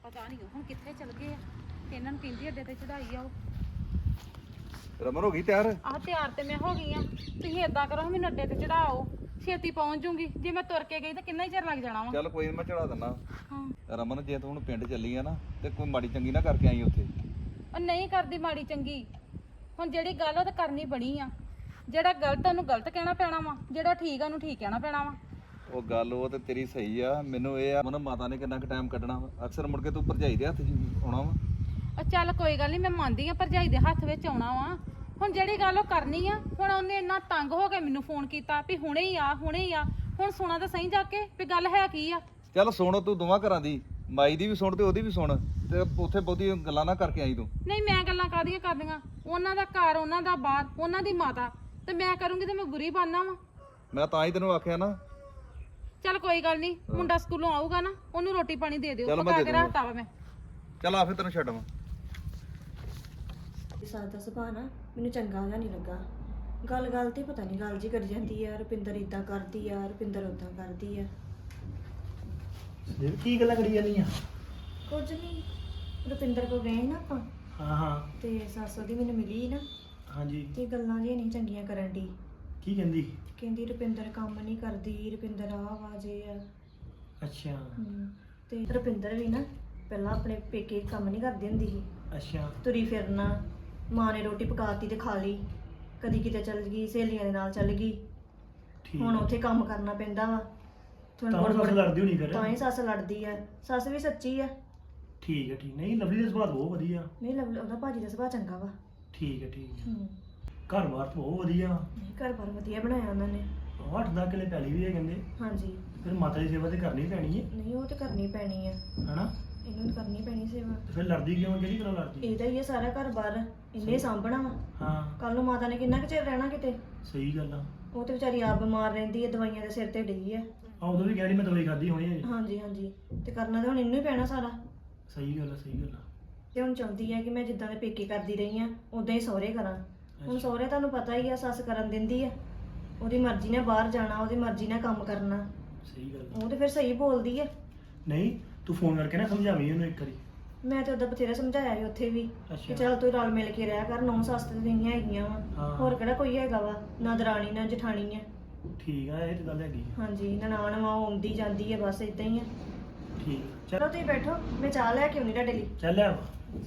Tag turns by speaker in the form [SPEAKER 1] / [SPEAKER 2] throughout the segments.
[SPEAKER 1] ਪਤਾ ਨਹੀਂ ਹੁਣ ਕਿੱਥੇ ਚਲ ਗਏ ਆ ਤੇ ਇਹਨਾਂ ਨੂੰ ਕਹਿੰਦੀ ਅੱਡੇ ਤੇ ਚੜਾਈ ਆਓ।
[SPEAKER 2] ਰਮਨ ਹੋ ਗਈ ਤਿਆਰ?
[SPEAKER 1] ਆਹ ਤਿਆਰ ਤੇ ਮੈਂ ਹੋ ਗਈ ਆ। ਤੁਸੀਂ ਏਦਾਂ ਕਰੋ ਮੈਨੂੰ ਅੱਡੇ ਤੇ ਚੜਾਓ, ਛੇਤੀ ਪਹੁੰਚ ਜੂਗੀ। ਜੇ ਮੈਂ ਤੁਰ ਕੇ ਗਈ ਤਾਂ ਕਿੰਨਾ ਹੀ ਚਿਰ ਲੱਗ ਜਾਣਾ ਵਾ।
[SPEAKER 2] ਚੱਲ ਕੋਈ ਨੀ ਮੈਂ ਚੜਾ ਦਿੰਦਾ।
[SPEAKER 1] ਹਾਂ
[SPEAKER 2] ਰਮਨ ਜੇ ਤੂੰ ਹੁਣ ਪਿੰਡ ਚੱਲੀ ਆ ਨਾ ਤੇ ਕੋਈ ਮਾੜੀ ਚੰਗੀ ਨਾ ਕਰਕੇ ਆਈ ਉੱਥੇ।
[SPEAKER 1] ਉਹ ਨਹੀਂ ਕਰਦੀ ਮਾੜੀ ਚੰਗੀ, ਹੁਣ ਜਿਹੜੀ ਗੱਲ ਉਹ ਤਾਂ ਕਰਨੀ ਬਣੀ ਆ। ਜਿਹੜਾ ਗਲਤ ਉਹਨੂੰ ਗਲਤ ਕਹਿਣਾ ਪੈਣਾ ਵਾ, ਜਿਹੜਾ ਠੀਕ ਆ ਉਹਨੂੰ ਠੀਕ ਕਹਿਣਾ ਪੈਣਾ ਵਾ।
[SPEAKER 2] ਉਹ ਗੱਲ ਉਹ ਤੇ ਤੇਰੀ ਸਹੀ ਆ, ਮੈਨੂੰ ਇਹ ਆ ਮਨ ਮਾਤਾ ਨੇ ਕਿੰਨਾ ਕੁ ਟਾਈਮ ਕੱਢਣਾ ਵਾ। ਅਕਸਰ ਮੁੜ ਕੇ ਤੂੰ ਭਰਜਾਈ ਦੇ ਹੱਥ 'ਚ ਆਉਣਾ ਵਾ।
[SPEAKER 1] ਉਹ ਚੱਲ ਕੋਈ ਗੱਲ ਨਹੀਂ, ਮੈਂ ਮੰਨਦੀ ਆ ਭਰਜਾਈ ਦੇ ਹੱਥ ਵਿੱਚ ਆਉਣਾ ਵਾ। ਹੁਣ ਜਿਹੜੀ ਗੱਲ ਉਹ ਕਰਨੀ ਆ, ਹੁਣ ਉਹਨੇ ਇੰਨਾ ਤੰਗ ਹੋ ਕੇ ਮੈਨੂੰ ਫੋਨ ਕੀਤਾ ਵੀ ਹੁਣੇ ਹੀ ਆ ਹੁਣੇ ਹੀ ਆ। ਹੁਣ ਸੁਣਾ ਤਾਂ ਸਹੀ ਜਾ ਕੇ ਵੀ ਗੱਲ ਹੈ ਕੀ ਆ।
[SPEAKER 2] ਚੱਲ ਸੁਣ ਤੂੰ ਦੋਵਾਂ ਘਰਾਂ ਦੀ, ਮਾਈ ਦੀ ਵੀ ਸੁਣ ਤੇ ਉਹਦੀ ਵੀ ਸੁਣ, ਤੇ ਉੱਥੇ ਬਹੁਤੀ ਗੱਲਾਂ ਨਾ ਕਰਕੇ ਆਈ ਤੂੰ।
[SPEAKER 1] ਨਹੀਂ ਮੈਂ ਗੱਲਾਂ ਕਾਹਦੀਆਂ ਕਰਦੀਆਂ, ਉਹਨਾਂ ਦਾ ਘਰ, ਉਹਨਾਂ ਦਾ ਬਾਹਰ, ਉਹਨਾਂ ਦੀ ਮਾਤਾ, ਤੇ ਮੈਂ ਕਰੂੰਗੀ ਤੇ ਮੈਂ ਬੁਰੀ ਬਣਨਾ ਵਾ।
[SPEAKER 2] ਮੈਂ ਤਾਂ ਹੀ ਤੈਨੂੰ ਆਖਿਆ ਨਾ।
[SPEAKER 1] ਚੱਲ ਕੋਈ ਗੱਲ ਨਹੀਂ, ਮੁੰਡਾ ਸਕੂਲੋਂ ਆਊਗਾ ਨਾ ਉਹਨੂੰ ਰੋਟੀ ਪਾਣੀ ਦੇ ਦਿਓ,
[SPEAKER 2] ਚੱਲ ਮੈਂ
[SPEAKER 1] ਪਕਾ
[SPEAKER 2] ਦੇ
[SPEAKER 1] ਕੇ
[SPEAKER 2] ਦੂੰਗਾ।
[SPEAKER 1] ਰੱਖਤਾ ਵਾ ਮੈਂ।
[SPEAKER 2] ਚੱਲ ਆ ਫਿਰ ਤੈਨੂੰ ਛੱਡਵਾਂ।
[SPEAKER 3] ਸਾਦਾ ਦਾ ਸੁਭਾਅ ਨਾ ਮੈਨੂੰ ਚੰਗਾ ਜਿਹਾ ਨਹੀਂ ਲੱਗਾ। ਗੱਲ ਗੱਲ ਤੇ ਪਤਾ ਨਹੀਂ ਗੱਲ ਜੀ ਕਰੀ ਜਾਂਦੀ ਆ, ਰੁਪਿੰਦਰ ਇਦਾਂ ਕਰਦੀ ਆ, ਰੁਪਿੰਦਰ ਉਦਾਂ ਕਰਦੀ ਆ।
[SPEAKER 4] ਇਹ ਕੀ ਗੱਲਾਂ ਕਰੀ ਜਾਂਦੀਆਂ?
[SPEAKER 3] ਕੁਝ ਨਹੀਂ, ਰੁਪਿੰਦਰ ਕੋ ਗਏ ਨਾ ਆਪਾਂ
[SPEAKER 4] ਹਾਂ ਹਾਂ
[SPEAKER 3] ਤੇ ਸੱਸ ਉਹਦੀ ਮੈਨੂੰ ਮਿਲੀ ਨਾ
[SPEAKER 4] ਹਾਂਜੀ।
[SPEAKER 3] ਤੇ ਗੱਲਾਂ ਜਿਹੀਆਂ ਨਹੀਂ ਚੰਗੀਆਂ ਕਰਨ ਦੀ।
[SPEAKER 4] ਕੀ ਕਹਿੰਦੀ?
[SPEAKER 3] ਕਹਿੰਦੀ ਰੁਪਿੰਦਰ ਕੰਮ ਨਹੀਂ ਕਰਦੀ, ਰੁਪਿੰਦਰ ਆ ਵਾਜੇ ਆ।
[SPEAKER 4] ਅੱਛਾ
[SPEAKER 3] ਤੇ ਰੁਪਿੰਦਰ ਵੀ ਨਾ ਪਹਿਲਾਂ ਆਪਣੇ ਪੇਕੇ ਕੰਮ ਨਹੀਂ ਕਰਦੀ ਹੁੰਦੀ ਸੀ।
[SPEAKER 4] ਅੱਛਾ
[SPEAKER 3] ਤੁਰੀ ਫਿਰਨਾ, ਮਾਂ ਨੇ ਰੋਟੀ ਪਕਾਤੀ ਤੇ ਖਾ ਲਈ, ਕਦੀ ਕਿਤੇ ਚੱਲ ਗਈ, ਸਹੇਲੀਆਂ ਦੇ ਨਾਲ ਚੱਲ ਗਈ।
[SPEAKER 4] ਠੀਕ
[SPEAKER 3] ਹੁਣ ਉੱਥੇ ਕੰਮ ਕਰਨਾ ਪੈਂਦਾ ਵਾ।
[SPEAKER 4] ਤਾਂ ਸੱਸ ਲੜਦੀ ਹੋਣੀ ਫਿਰ?
[SPEAKER 3] ਤਾਂ ਹੀ ਸੱਸ ਲੜਦੀ ਆ। ਸੱਸ ਵੀ ਸੱਚੀ ਆ।
[SPEAKER 4] ਠੀਕ ਹੈ ਠੀਕ। ਨਹੀਂ ਲਵਲੀ ਦਾ ਸੁਭਾਅ ਬਹੁਤ ਵਧੀਆ।
[SPEAKER 3] ਨਹੀਂ ਉਹਦਾ ਭਾਜੀ ਦਾ ਸੁਭਾਅ ਚੰਗਾ ਵਾ।
[SPEAKER 4] ਠੀਕ ਹੈ ਠੀਕ ਹੈ।
[SPEAKER 3] ਹੂੰ
[SPEAKER 4] ਘਰ-ਬਾਰ ਤਾਂ ਬਹੁਤ ਵਧੀਆ।
[SPEAKER 3] ਨਹੀਂ ਘਰ ਬਾਰ ਵਧੀਆ ਬਣਾਇਆ ਉਹਨਾਂ ਨੇ।
[SPEAKER 4] 8-10 ਕਿੱਲੇ ਪੈਲੀ ਵੀ ਹੈ ਕਹਿੰਦੇ।
[SPEAKER 3] ਹਾਂਜੀ
[SPEAKER 4] ਫਿਰ ਮਾਤਾ ਦੀ ਸੇਵਾ ਤੇ ਕਰਨੀ ਪੈਣੀ ਹੈ
[SPEAKER 3] ਨਹੀਂ ਉਹ ਤੇ ਕਰਨੀ ਪੈਣੀ ਆ,
[SPEAKER 4] ਹਨਾ?
[SPEAKER 3] ਇਹਨੂੰ ਤਾਂ ਕਰਨੀ ਪੈਣੀ ਸੇਵਾ।
[SPEAKER 4] ਤੇ ਫਿਰ ਲੜਦੀ ਕਿਉਂ? ਕਿਹੜੀ ਗੱਲੋਂ ਲੜਦੀ?
[SPEAKER 3] ਇਹਦਾ ਹੀ ਆ ਸਾਰਾ ਘਰ ਬਾਰ, ਇਹਨੇ ਸਾਂਭਣਾ ਵਾ।
[SPEAKER 4] ਹਾਂ
[SPEAKER 3] ਕੱਲ ਨੂੰ ਮਾਤਾ ਨੇ ਕਿੰਨਾ ਕੁ ਚਿਰ ਰਹਿਣਾ ਕਿਤੇ।
[SPEAKER 4] ਸਹੀ ਗੱਲ ਆ।
[SPEAKER 3] ਉਹ ਤੇ ਵਿਚਾਰੀ ਆਪ ਬਿਮਾਰ ਰਹਿੰਦੀ ਹੈ, ਦਵਾਈਆਂ ਦੇ ਸਿਰ ਤੇ ਡਈ ਆ।
[SPEAKER 4] ਉਦੋਂ ਵੀ ਕਹਿਣੀ ਮੈਂ ਦਵਾਈ ਖਾਧੀ ਹੋਣੀ ਹੈ।
[SPEAKER 3] ਹਾਂਜੀ ਹਾਂਜੀ ਤੇ ਕਰਨਾ ਤਾਂ ਹੁਣ ਇਹਨੂੰ ਹੀ ਪੈਣਾ ਸਾਰਾ।
[SPEAKER 4] ਸਹੀ ਗੱਲ ਆ ਸਹੀ ਗੱਲ ਆ।
[SPEAKER 3] ਤੇ ਹੁਣ ਚਾਹੁੰਦੀ ਆ ਕਿ ਮੈਂ ਜਿੱਦਾਂ ਦੇ ਪੇਕੇ ਕਰਦੀ ਰਹੀ ਆ ਉਦਾਂ ਹੀ ਸਹੁਰੇ ਕਰਾਂ। ਹੁਣ ਸਹੁਰੇ ਤੁਹਾਨੂੰ ਪਤਾ ਹੀ ਆ, ਸੱਸ ਕਰਨ ਦਿੰਦੀ ਆ। ਉਹਦੀ ਮਰਜ਼ੀ ਨਾਲ ਬਾਹਰ ਜਾਣਾ, ਉਹਦੀ ਮਰਜ਼ੀ ਨਾਲ ਕੰਮ ਕਰਨਾ।
[SPEAKER 4] ਸਹੀ ਗੱਲ ਆ।
[SPEAKER 3] ਉਹ ਤੇ ਫਿਰ ਸਹੀ ਬੋਲਦੀ ਆ।
[SPEAKER 4] ਨਹੀਂ ਤੂੰ ਫੋਨ ਕਰਕੇ ਨਾ ਸਮਝਾਵੀਂ ਉਹਨੂੰ ਇੱਕ ਵਾਰੀ।
[SPEAKER 3] ਮੈਂ ਤੇ ਉਦਾਂ ਬਥੇਰਾ ਸਮਝਾਇਆ ਸੀ ਉੱਥੇ ਵੀ ਕਿ
[SPEAKER 4] ਅੱਛਾ
[SPEAKER 3] ਚੱਲ ਤੂੰ ਰਲ ਮਿਲ ਕੇ ਰਹਿ ਕਰ, ਨੌ ਸੱਸ ਤੇ ਨਹੀਂ ਹੈਗੀਆਂ ਵਾ।
[SPEAKER 4] ਹਾਂ।
[SPEAKER 3] ਹੋਰ ਕਿਹੜਾ ਕੋਈ ਹੈਗਾ ਵਾ, ਨਾ ਦਰਾਣੀ ਨਾ ਜਠਾਣੀ ਆ।
[SPEAKER 4] ਠੀਕ ਆ, ਇਹ ਤੇ ਗੱਲ ਹੈਗੀ ਆ।
[SPEAKER 3] ਹਾਂਜੀ ਨਨਾਣ ਵਾ, ਉਹ ਆਉਂਦੀ ਜਾਂਦੀ ਆ, ਬਸ ਇਦਾਂ ਹੀ ਆ।
[SPEAKER 4] ਠੀਕ ਆ।
[SPEAKER 3] ਚਲੋ ਤੁਸੀਂ ਬੈਠੋ, ਮੈਂ ਚਾਹ ਲੈ ਕੇ ਆਉਣੀ ਤੁਹਾਡੇ ਲਈ।
[SPEAKER 4] ਚੱਲ ਆ।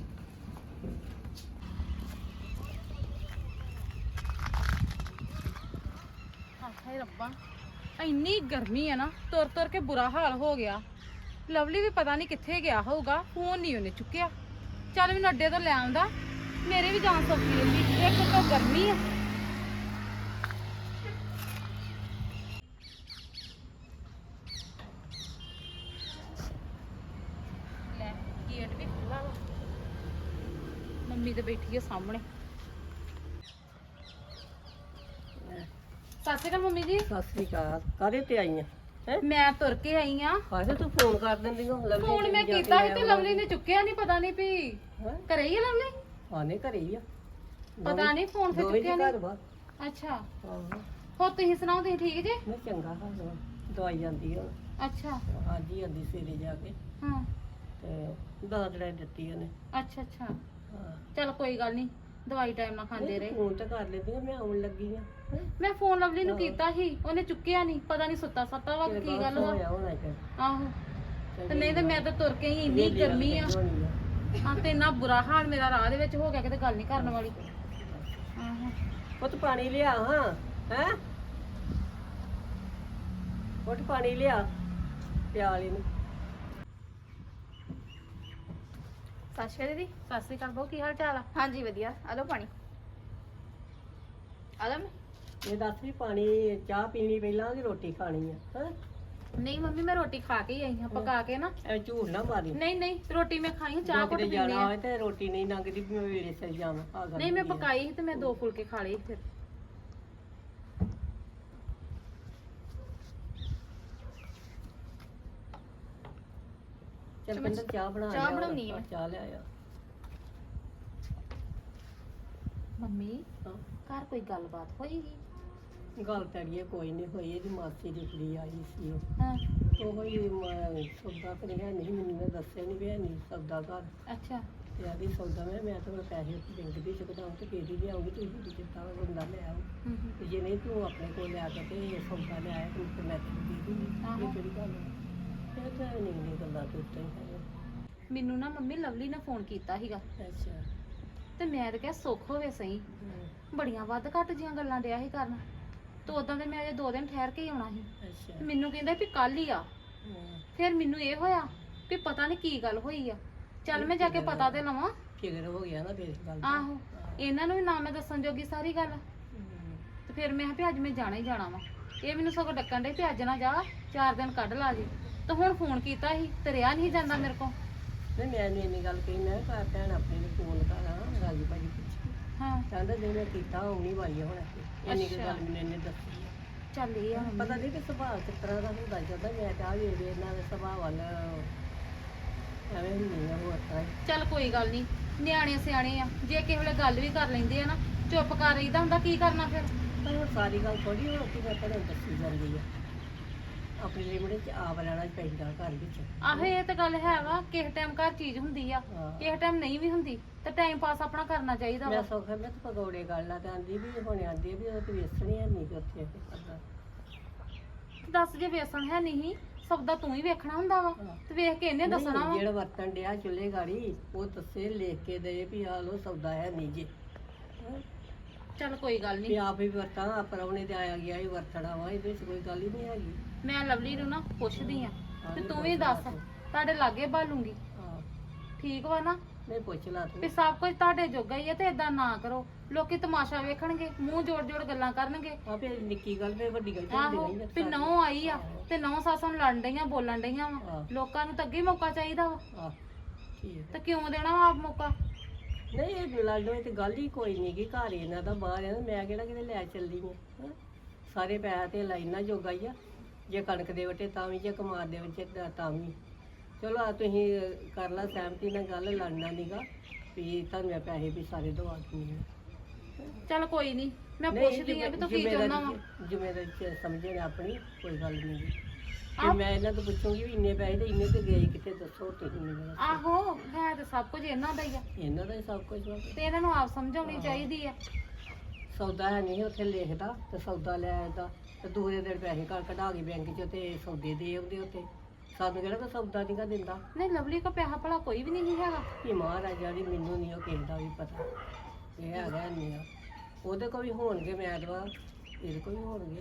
[SPEAKER 1] ਹਾਏ ਰੱਬਾ, ਇੰਨੀ ਗਰਮੀ ਆ ਨਾ, ਤੁਰ ਤੁਰ ਕੇ ਬੁਰਾ ਹਾਲ ਹੋ ਗਿਆ। ਲਵਲੀ ਵੀ ਪਤਾ ਨਹੀਂ ਕਿੱਥੇ ਗਿਆ ਹੋਊਗਾ, ਫੋਨ ਨਹੀਂ ਉਹਨੇ ਚੁੱਕਿਆ। ਚੱਲ ਮੈਨੂੰ ਅੱਡੇ ਤੋਂ ਲੈ ਆਉਂਦਾ, ਮੇਰੇ ਵੀ ਜਾਨ ਸੌਖੀ ਰਹਿੰਦੀ। ਇੱਕ ਤਾਂ ਗਰਮੀ ਆ। ਲੈ ਗੇਟ ਵੀ ਖੁੱਲਾ ਵਾ, ਮੰਮੀ ਤੇ ਬੈਠੀ ਆ ਸਾਹਮਣੇ। ਸਤਿ ਸ਼੍ਰੀ ਅਕਾਲ ਮੰਮੀ ਜੀ।
[SPEAKER 5] ਸਤਿ ਸ੍ਰੀ ਅਕਾਲ। ਕਾਹਦੇ ਤੇ ਆਈ ਆ? ਹੈ
[SPEAKER 1] ਮੈਂ ਤੁਰ ਕੇ ਆਈ ਆ।
[SPEAKER 5] ਕਾਹਦੇ ਤੂੰ ਫੋਨ ਕਰ ਦਿੰਦੀ ਹੋ? ਲਵਲੀ
[SPEAKER 1] ਫੋਨ ਮੈਂ ਕੀਤਾ ਸੀ ਤੇ ਲਵਲੀ ਨੇ ਚੁੱਕਿਆ ਨਹੀਂ, ਪਤਾ ਨਹੀਂ ਵੀ
[SPEAKER 5] ਹੈਂ?
[SPEAKER 1] ਘਰੇ ਹੀ ਆ ਲਵਲੀ।
[SPEAKER 5] ਆਨੇ ਘਰੇ ਹੀ ਆ।
[SPEAKER 1] ਪਤਾ ਨਹੀਂ ਫੋਨ ਫਿਰ
[SPEAKER 5] ਦੋਵੇਂ
[SPEAKER 1] ਚੁੱਕਿਆ
[SPEAKER 5] ਜੀ ਘਰ
[SPEAKER 1] ਨਹੀਂ।
[SPEAKER 5] ਵਾ।
[SPEAKER 1] ਅੱਛਾ
[SPEAKER 5] ਹਾਂ
[SPEAKER 1] ਹੋਰ ਤੁਸੀਂ ਸੁਣਾਓ, ਤੁਸੀਂ ਠੀਕ ਜੇ?
[SPEAKER 5] ਮੈਂ ਚੰਗਾ ਹਾਲ ਵਾ। ਦਵਾਈ ਜਾਂਦੀ ਆ
[SPEAKER 1] ਅੱਛਾ
[SPEAKER 5] ਅੱਜ ਹੀ ਆਂਦੀ ਸਵੇਰੇ ਜਾ ਕੇ
[SPEAKER 1] ਹਾਂ
[SPEAKER 5] ਤੇ ਦਾਦੜਾ ਦਿੱਤੀ ਉਹਨੇ।
[SPEAKER 1] ਅੱਛਾ ਅੱਛਾ
[SPEAKER 5] ਹਾਂ
[SPEAKER 1] ਚਲ ਕੋਈ ਗੱਲ ਨਹੀਂ, ਦਵਾਈ ਟਾਈਮ ਨਾਲ ਖਾਂਦੇ ਰਹੇ।
[SPEAKER 5] ਫੋਨ ਤਾਂ ਕਰ ਲੈਂਦੀ ਆ, ਮੈਂ ਆਉਣ ਲੱਗੀ ਆ।
[SPEAKER 1] ਮੈਂ ਫੋਨ ਲਵਲੀ ਨੂੰ ਕੀਤਾ ਸੀ, ਉਹਨੇ ਚੁੱਕਿਆ ਨਹੀਂ, ਪਤਾ ਨਹੀਂ ਸੁੱਤਾ ਸੱਤਾ ਵਾ ਕਿ ਕੀ ਗੱਲ ਵਾ।
[SPEAKER 5] ਹੋਣਾ ਫਿਰ।
[SPEAKER 1] ਆਹੋ ਤੇ ਨਹੀਂ ਤੇ ਮੈਂ ਤਾਂ ਤੁਰ ਕੇ ਹੀ, ਇੰਨੀ ਗਰਮੀ ਆ। ਹਾਂ ਤੇ ਇੰਨਾ ਬੁਰਾ ਹਾਲ ਮੇਰਾ ਰਾਹ ਦੇ ਵਿੱਚ ਹੋ ਗਿਆ, ਕਿਤੇ ਗੱਲ ਨਹੀਂ ਕਰਨ ਵਾਲੀ। ਆਹੋ
[SPEAKER 5] ਪੁੱਤ ਪਾਣੀ ਲਿਆ ਹਾਂ। ਹੈ ਪੁੱਤ ਪਾਣੀ ਲਿਆ ਪਿਆਲੀ ਨੂੰ।
[SPEAKER 6] ਸਤਿ ਸ਼੍ਰੀ ਅਕਾਲ ਦੀਦੀ।
[SPEAKER 1] ਸਤਿ ਸ਼੍ਰੀ ਅਕਾਲ ਬਹੁ, ਕੀ ਹਾਲ ਚਾਲ ਆ?
[SPEAKER 6] ਹਾਂਜੀ ਵਧੀਆ, ਆ ਲਓ ਪਾਣੀ। ਆ ਲਓ।
[SPEAKER 5] ਇਹ ਦੱਸ ਵੀ ਪਾਣੀ ਚਾਹ ਪੀਣੀ ਪਹਿਲਾਂ ਕਿ ਰੋਟੀ ਖਾਣੀ ਆ? ਹੈ
[SPEAKER 1] ਨਹੀਂ ਮੰਮੀ ਮੈਂ ਰੋਟੀ ਖਾ ਕੇ ਹੀ ਆਈ ਹਾਂ, ਪਕਾ ਕੇ ਨਾ।
[SPEAKER 5] ਐ ਝੂਠ ਨਾ ਮਾਰੀ।
[SPEAKER 1] ਨਹੀਂ ਨਹੀਂ ਰੋਟੀ ਮੈਂ ਖਾਈ, ਚਾਹ ਘੁੱਟ
[SPEAKER 5] ਕਿਤੇ
[SPEAKER 1] ਪੀਣੀ
[SPEAKER 5] ਜਾਣਾ
[SPEAKER 1] ਆ।
[SPEAKER 5] ਹੋਵੇ ਤੇ ਰੋਟੀ ਨਹੀਂ ਲੰਘਦੀ ਵੀ ਮੈਂ ਵੇਲੇ ਸਿਰ ਜਾਵਾਂ। ਆਹ ਗੱਲ
[SPEAKER 1] ਨਹੀਂ ਮੈਂ
[SPEAKER 5] ਹੁੰਦੀ ਆ।
[SPEAKER 1] ਪਕਾਈ ਸੀ ਤੇ ਮੈਂ 2 ਫੁਲਕੇ ਖਾ ਲਏ ਫਿਰ।
[SPEAKER 5] ਚੱਲ ਕਹਿੰਦਾ ਚਾਹ ਬਣਾ
[SPEAKER 6] ਚਾਹ
[SPEAKER 5] ਲਿਆ,
[SPEAKER 6] ਬਣਾਉਣੀ ਆ।
[SPEAKER 5] ਚਾਹ ਲਿਆਇਆ।
[SPEAKER 1] ਮੰਮੀ
[SPEAKER 5] ਹਾਂ।
[SPEAKER 1] ਘਰ ਕੋਈ ਗੱਲਬਾਤ ਹੋਈਗੀ?
[SPEAKER 5] ਗੱਲ ਤੜੀਏ ਕੋਈ ਨਹੀਂ ਹੋਈ, ਇਹਦੀ ਮਾਸੀ ਦੀ ਕੁੜੀ ਆਈ ਸੀ
[SPEAKER 1] ਹਾਂ
[SPEAKER 5] ਉਹ ਹੀ ਸੌਦਾ ਕਰਿਆ ਨਹੀਂ, ਮੈਨੂੰ ਨੇ ਦੱਸਿਆ ਨਹੀਂ ਵੀ ਹੈ ਨਹੀਂ ਸੌਦਾ ਘਰ
[SPEAKER 1] ਅੱਛਾ
[SPEAKER 5] ਤੇ ਆਦੀ ਸੌਦਾ ਮੈਂ ਤਾਂ ਪੈਸੇ ਬੈਂਕ ਦੇ ਚੁਕਦਾ ਤੇ ਫੇਰ ਹੀ ਲਿਆਉਂਗੀ, ਤੂੰ ਵੀ ਦਿੱਤਾ ਬੰਦਾ ਲੈ ਆਓ ਤੇ ਜੇ ਨਹੀਂ ਤੂੰ ਆਪਣੇ ਕੋਲ ਲਿਆ ਕੇ ਤੇ ਸੌਦਾ ਲਿਆਇਆ ਤੂੰ ਤੇ ਮੈਂ ਤੈਨੂੰ ਦੇ ਦੂੰਗੀ। ਇਹ ਕਿਹੜੀ ਗੱਲ ਹੈ? ਇਹ ਤਾਂ ਨਹੀਂ ਗੱਲਾਂ ਤੇ ਉੱਤੇ ਹੀ ਹੈ।
[SPEAKER 1] ਮੈਨੂੰ ਨਾ ਮੰਮੀ ਲਵਲੀ ਨੇ ਫੋਨ ਕੀਤਾ ਸੀਗਾ
[SPEAKER 5] ਅੱਛਾ
[SPEAKER 1] ਤੇ ਮੈਂ ਤਾਂ ਕਿਹਾ ਸੁੱਖ ਹੋਵੇ ਸਹੀ, ਬੜੀਆਂ ਵੱਧ ਘੱਟ ਜੀਆਂ ਗੱਲਾਂ ਡਿਆ ਸੀ ਕਰਨ ਤੇ ਉਦਾਂ ਤੇ ਮੈਂ ਅਜੇ 2 ਦਿਨ ਠਹਿਰ ਕੇ ਹੀ ਆਉਣਾ ਸੀ।
[SPEAKER 5] ਅੱਛਾ
[SPEAKER 1] ਤੇ ਮੈਨੂੰ ਕਹਿੰਦਾ ਵੀ ਕੱਲ ਹੀ ਆ। ਫਿਰ ਮੈਨੂੰ ਇਹ ਹੋਇਆ ਵੀ ਪਤਾ ਨਹੀਂ ਕੀ ਗੱਲ ਹੋਈ ਆ, ਚੱਲ ਮੈਂ ਜਾ ਕੇ ਪਤਾ ਤੇ ਲਵਾਂ।
[SPEAKER 5] ਫਿਕਰ ਹੋ ਗਿਆ ਨਾ ਫਿਰ ਗੱਲ ਦਾ।
[SPEAKER 1] ਆਹੋ ਇਹਨਾਂ ਨੂੰ ਵੀ ਨਾ ਮੈਂ ਦੱਸਣ ਜੋਗੀ ਸਾਰੀ ਗੱਲ, ਤੇ ਫਿਰ ਮੈਂ ਕਿਹਾ ਵੀ ਅੱਜ ਮੈਂ ਜਾਣਾ ਹੀ ਜਾਣਾ ਵਾ। ਇਹ ਮੈਨੂੰ ਸਗੋਂ ਡੱਕਣ ਡੇ ਵੀ ਅੱਜ ਨਾ ਜਾ, 4 ਦਿਨ ਕੱਢ ਲਾ ਜੀ। ਤੇ ਹੁਣ ਫੋਨ ਕੀਤਾ ਸੀ ਤੇ ਰਿਆ ਨਹੀਂ ਜਾਂਦਾ ਮੇਰੇ ਕੋਲ।
[SPEAKER 5] ਨਹੀਂ ਮੈਂ ਨਹੀਂ ਇੰਨੀ ਗੱਲ ਕਹੀ, ਮੈਂ ਕਿਹਾ ਭੈਣ ਆਪਣੇ ਨੂੰ ਫੋਨ ਕਰਾਂ ਰਾਜੀ ਭਾਜੀ ਪੁੱਛੀ,
[SPEAKER 1] ਹਾਂ
[SPEAKER 5] ਕਹਿੰਦਾ ਜੇ ਮੈਂ ਕੀਤਾ ਆਉਣੀ ਵਾਲੀ ਆ ਹੁਣ ਇੰਨੀ ਕੁ ਗੱਲ ਮੈਨੂੰ ਇਹਨੇ ਦੱਸੀ ਆ।
[SPEAKER 1] ਚੱਲ ਇਹ ਆ
[SPEAKER 5] ਪਤਾ ਨਹੀਂ ਕਿ ਸੁਭਾਅ ਕਿਸ ਤਰ੍ਹਾਂ ਦਾ ਹੁੰਦਾ ਜਾਂਦਾ, ਮੈਂ ਤਾਂ ਵੀ ਇਹਨਾਂ ਦੇ ਸੁਭਾਅ ਵੱਲ ਐਵੇਂ ਨਹੀਂ ਆ ਹੋਰ ਤਾਂ।
[SPEAKER 1] ਚੱਲ ਕੋਈ ਗੱਲ ਨਹੀਂ, ਨਿਆਣੇ ਸਿਆਣੇ ਆ, ਜੇ ਕਿਸੇ ਵੇਲੇ ਗੱਲ ਵੀ ਕਰ ਲੈਂਦੇ ਆ ਨਾ ਚੁੱਪ ਕਰ ਰਹੀਦਾ ਹੁੰਦਾ, ਕੀ ਕਰਨਾ ਫਿਰ।
[SPEAKER 5] ਪਰ ਹੁਣ ਸਾਰੀ ਗੱਲ ਥੋੜੀ ਹੁਣ ਕਿ ਮੈਂ ਤੁਹਾਨੂੰ ਦੱਸੀ ਜਾਂਦੀ ਆ, ਆਪਣੀ ਲਿਮਟ ਚ ਆਪ ਲੈਣਾ ਪੈਂਦਾ ਘਰ ਵਿੱਚ।
[SPEAKER 1] ਆਹੋ ਇਹ ਤਾਂ ਗੱਲ ਹੈ ਵਾ, ਕਿਸੇ ਟਾਈਮ ਘਰ ਚੀਜ਼ ਹੁੰਦੀ ਆ,
[SPEAKER 5] ਹਾਂ।
[SPEAKER 1] ਕਿਸੇ ਟਾਈਮ ਨਹੀਂ ਵੀ ਹੁੰਦੀ, ਤੇ ਟਾਈਮ ਪਾਸ ਆਪਣਾ ਕਰਨਾ ਚਾਹੀਦਾ
[SPEAKER 5] ਮੈਂ
[SPEAKER 1] ਵਾ।
[SPEAKER 5] ਸੌਖਾ ਮੈਂ ਤਾਂ ਪਕੌੜੇ ਗੱਲ ਲਾ ਤੇ ਆਂਦੀ ਵੀ ਹੁਣ ਆਂਦੀ ਵੀ ਉਹ ਤੇ ਵੇਸਣੀ ਹੈ ਨਹੀਂ ਉੱਥੇ ਕਰਦਾ।
[SPEAKER 1] ਦੱਸ ਜੇ ਵੇਸਣ ਹੈ ਨਹੀਂ ਸਬਦਾ ਤੂੰ ਹੀ ਵੇਖਣਾ ਹੁੰਦਾ ਵਾ, ਤੇ ਵੇਖ ਕੇ ਇਹਨੇ ਦੱਸਣਾ ਵਾ।
[SPEAKER 5] ਜਿਹੜਾ ਵਰਤਣ ਡਿਆ ਚੁੱਲ੍ਹੇ ਗਾੜੀ ਉਹ ਦੱਸੇ ਲਿਖ ਕੇ ਦੇ ਵੀ ਆ ਲੋ ਸੌਦਾ ਹੈ ਨਹੀਂ ਜੇ। ਹੈਂ?
[SPEAKER 1] ਚੱਲ ਕੋਈ ਗੱਲ
[SPEAKER 5] ਵੀ
[SPEAKER 1] ਨਹੀਂ,
[SPEAKER 5] ਆਪ ਹੀ ਵਰਤਾਂ ਪਰਉਣੇ ਤੇ ਆਇਆ ਗਿਆ ਹੀ ਵਰਤਣਾ ਵਾ, ਇਹਦੇ ਵਿੱਚ ਕੋਈ ਗੱਲ ਹੀ ਨਹੀਂ ਹੈਗੀ।
[SPEAKER 1] ਮੈਂ ਲਵਲੀ ਨੂੰ ਨਾ ਪੁੱਛਦੀ ਆ ਤੇ
[SPEAKER 5] ਨਹੀਂ
[SPEAKER 1] ਤੂੰ ਵੀ ਦੱਸ, ਤੁਹਾਡੇ ਲਾਗੇ ਬਾਲੂੰਗੀ,
[SPEAKER 5] ਹਾਂ
[SPEAKER 1] ਠੀਕ ਵਾ ਨਾ।
[SPEAKER 5] ਨਹੀਂ ਪੁੱਛ ਲਾ
[SPEAKER 1] ਵੀ
[SPEAKER 5] ਤੂੰ।
[SPEAKER 1] ਸਭ ਕੁਝ ਤੁਹਾਡੇ ਜੋਗਾ ਹੀ ਆ ਤੇ ਏਦਾਂ ਨਾ ਕਰੋ, ਲੋਕੀ ਤਮਾਸ਼ਾ ਵੇਖਣਗੇ, ਮੂੰਹ ਜੋੜ ਜੋੜ ਗੱਲਾਂ ਕਰਨਗੇ।
[SPEAKER 5] ਆ ਫਿਰ ਨਿੱਕੀ ਗੱਲ ਫੇਰ ਵੱਡੀ ਗੱਲ
[SPEAKER 1] ਆਹੋ ਵੀ ਨਹੁੰ ਆਈ ਆ ਤੇ ਨਹੁੰ ਸੱਸ ਨੂੰ ਲੜਨ ਡਈਆਂ ਬੋਲਣ ਡਈਆਂ ਵਾ,
[SPEAKER 5] ਹਾਂ।
[SPEAKER 1] ਲੋਕਾਂ ਨੂੰ ਤਾਂ ਅੱਗੇ ਹੀ ਮੌਕਾ ਚਾਹੀਦਾ ਵਾ,
[SPEAKER 5] ਆ ਠੀਕ
[SPEAKER 1] ਤੇ ਕਿਉਂ ਦੇਣਾ ਵਾ ਆਪ ਮੌਕਾ।
[SPEAKER 5] ਨਹੀਂ ਇਹ ਲੜਨ ਤੇ ਗੱਲ ਹੀ ਕੋਈ ਨਹੀਂ ਗੀ, ਘਰ ਹੀ ਇਹਨਾਂ ਦਾ ਬਾਹਰ ਆ, ਮੈਂ ਕਿਹੜਾ ਕਿਤੇ ਲੈ ਚੱਲਦੀ ਆ। ਸਾਰੇ ਪੈਸੇ ਤੇ ਲਾਈਨਾਂ ਜੋਗਾ ਹੀ ਆ, ਜੇ ਕਣਕ ਦੇ ਵਟੇ ਤਾਂ ਵੀ, ਜੇ ਕਮਾਦ ਦੇ ਵਿੱਚ ਤਾਂ ਵੀ। ਚਲੋ ਆ ਤੁਸੀਂ ਕਰ ਲਾ ਸਹਿਮਤੀ ਨਾਲ ਗੱਲ, ਲੜਨਾ ਨੀਗਾ ਵੀ ਤੁਹਾਨੂੰ ਮੈਂ ਪੈਸੇ ਵੀ ਸਾਰੇ ਦਵਾ ਦਿੰਦੀ ਆ।
[SPEAKER 1] ਚੱਲ ਕੋਈ ਨਹੀਂ, ਮੈਂ ਪੁੱਛਦੀ ਆ ਵੀ ਤੂੰ ਕੀ ਚਾਹੁੰਦਾ ਵਾ।
[SPEAKER 5] ਜ਼ਿੰਮੇਵਾਰੀ ਸਮਝਣ ਆਪਣੀ, ਕੋਈ ਗੱਲ ਨਹੀਂ ਗੀ। ਤੇ ਮੈਂ ਇਹਨਾਂ ਤੋਂ ਪੁੱਛੂੰਗੀ ਵੀ ਇੰਨੇ ਪੈਸੇ ਤੇ ਇੰਨੇ ਤੇ ਗਏ ਕਿੱਥੇ, ਦੱਸੋ ਤੁਸੀਂ ਮੈਨੂੰ ਦੱਸੋ।
[SPEAKER 1] ਆਹੋ ਹੈ ਤੇ ਸਭ ਕੁਝ ਇਹਨਾਂ ਦਾ ਹੀ ਆ,
[SPEAKER 5] ਇਹਨਾਂ ਦਾ ਹੀ ਸਭ ਕੁਝ ਵਾ।
[SPEAKER 1] ਤੇ ਇਹਨਾਂ ਨੂੰ ਆਪ ਸਮਝਾਉਣੀ ਚਾਹੀਦੀ ਆ।
[SPEAKER 5] ਸੌਦਾ ਹੈ ਨਹੀਂ ਉੱਥੇ ਲਿਖਦਾ ਤੇ ਸੌਦਾ ਲੈ ਆਉਂਦਾ ਤੇ ਦੂਰੇ ਦਿਨ ਪੈਸੇ ਕਢਾ ਕੇ ਬੈਂਕ 'ਚ ਤੇ ਸੌਦੇ ਦੇ ਆਉਂਦੇ ਉੱਤੇ। ਸਾਨੂੰ ਕਿਹੜਾ ਕੋਈ ਸੌਦਾ ਨਹੀਂਗਾ ਦਿੰਦਾ।
[SPEAKER 1] ਨਹੀਂ ਲਵਲੀ ਕੋ ਪੈਸਾ ਭਲਾ ਕੋਈ ਵੀ ਨਹੀਂ ਹੈਗਾ।
[SPEAKER 5] ਇਹ ਮਹਾਰਾਜਾ ਦੀ ਮੈਨੂੰ ਨਹੀਂ ਉਹ ਕਿਸੇ ਦਾ ਵੀ ਪਤਾ, ਇਹ ਹੈਗਾ ਨਹੀਂ ਆ। ਉਹਦੇ ਕੋਲ ਵੀ ਹੋਣਗੇ ਮੈਂ ਦਵਾ, ਇਹਦੇ ਕੋਲ ਵੀ ਹੋਣਗੇ।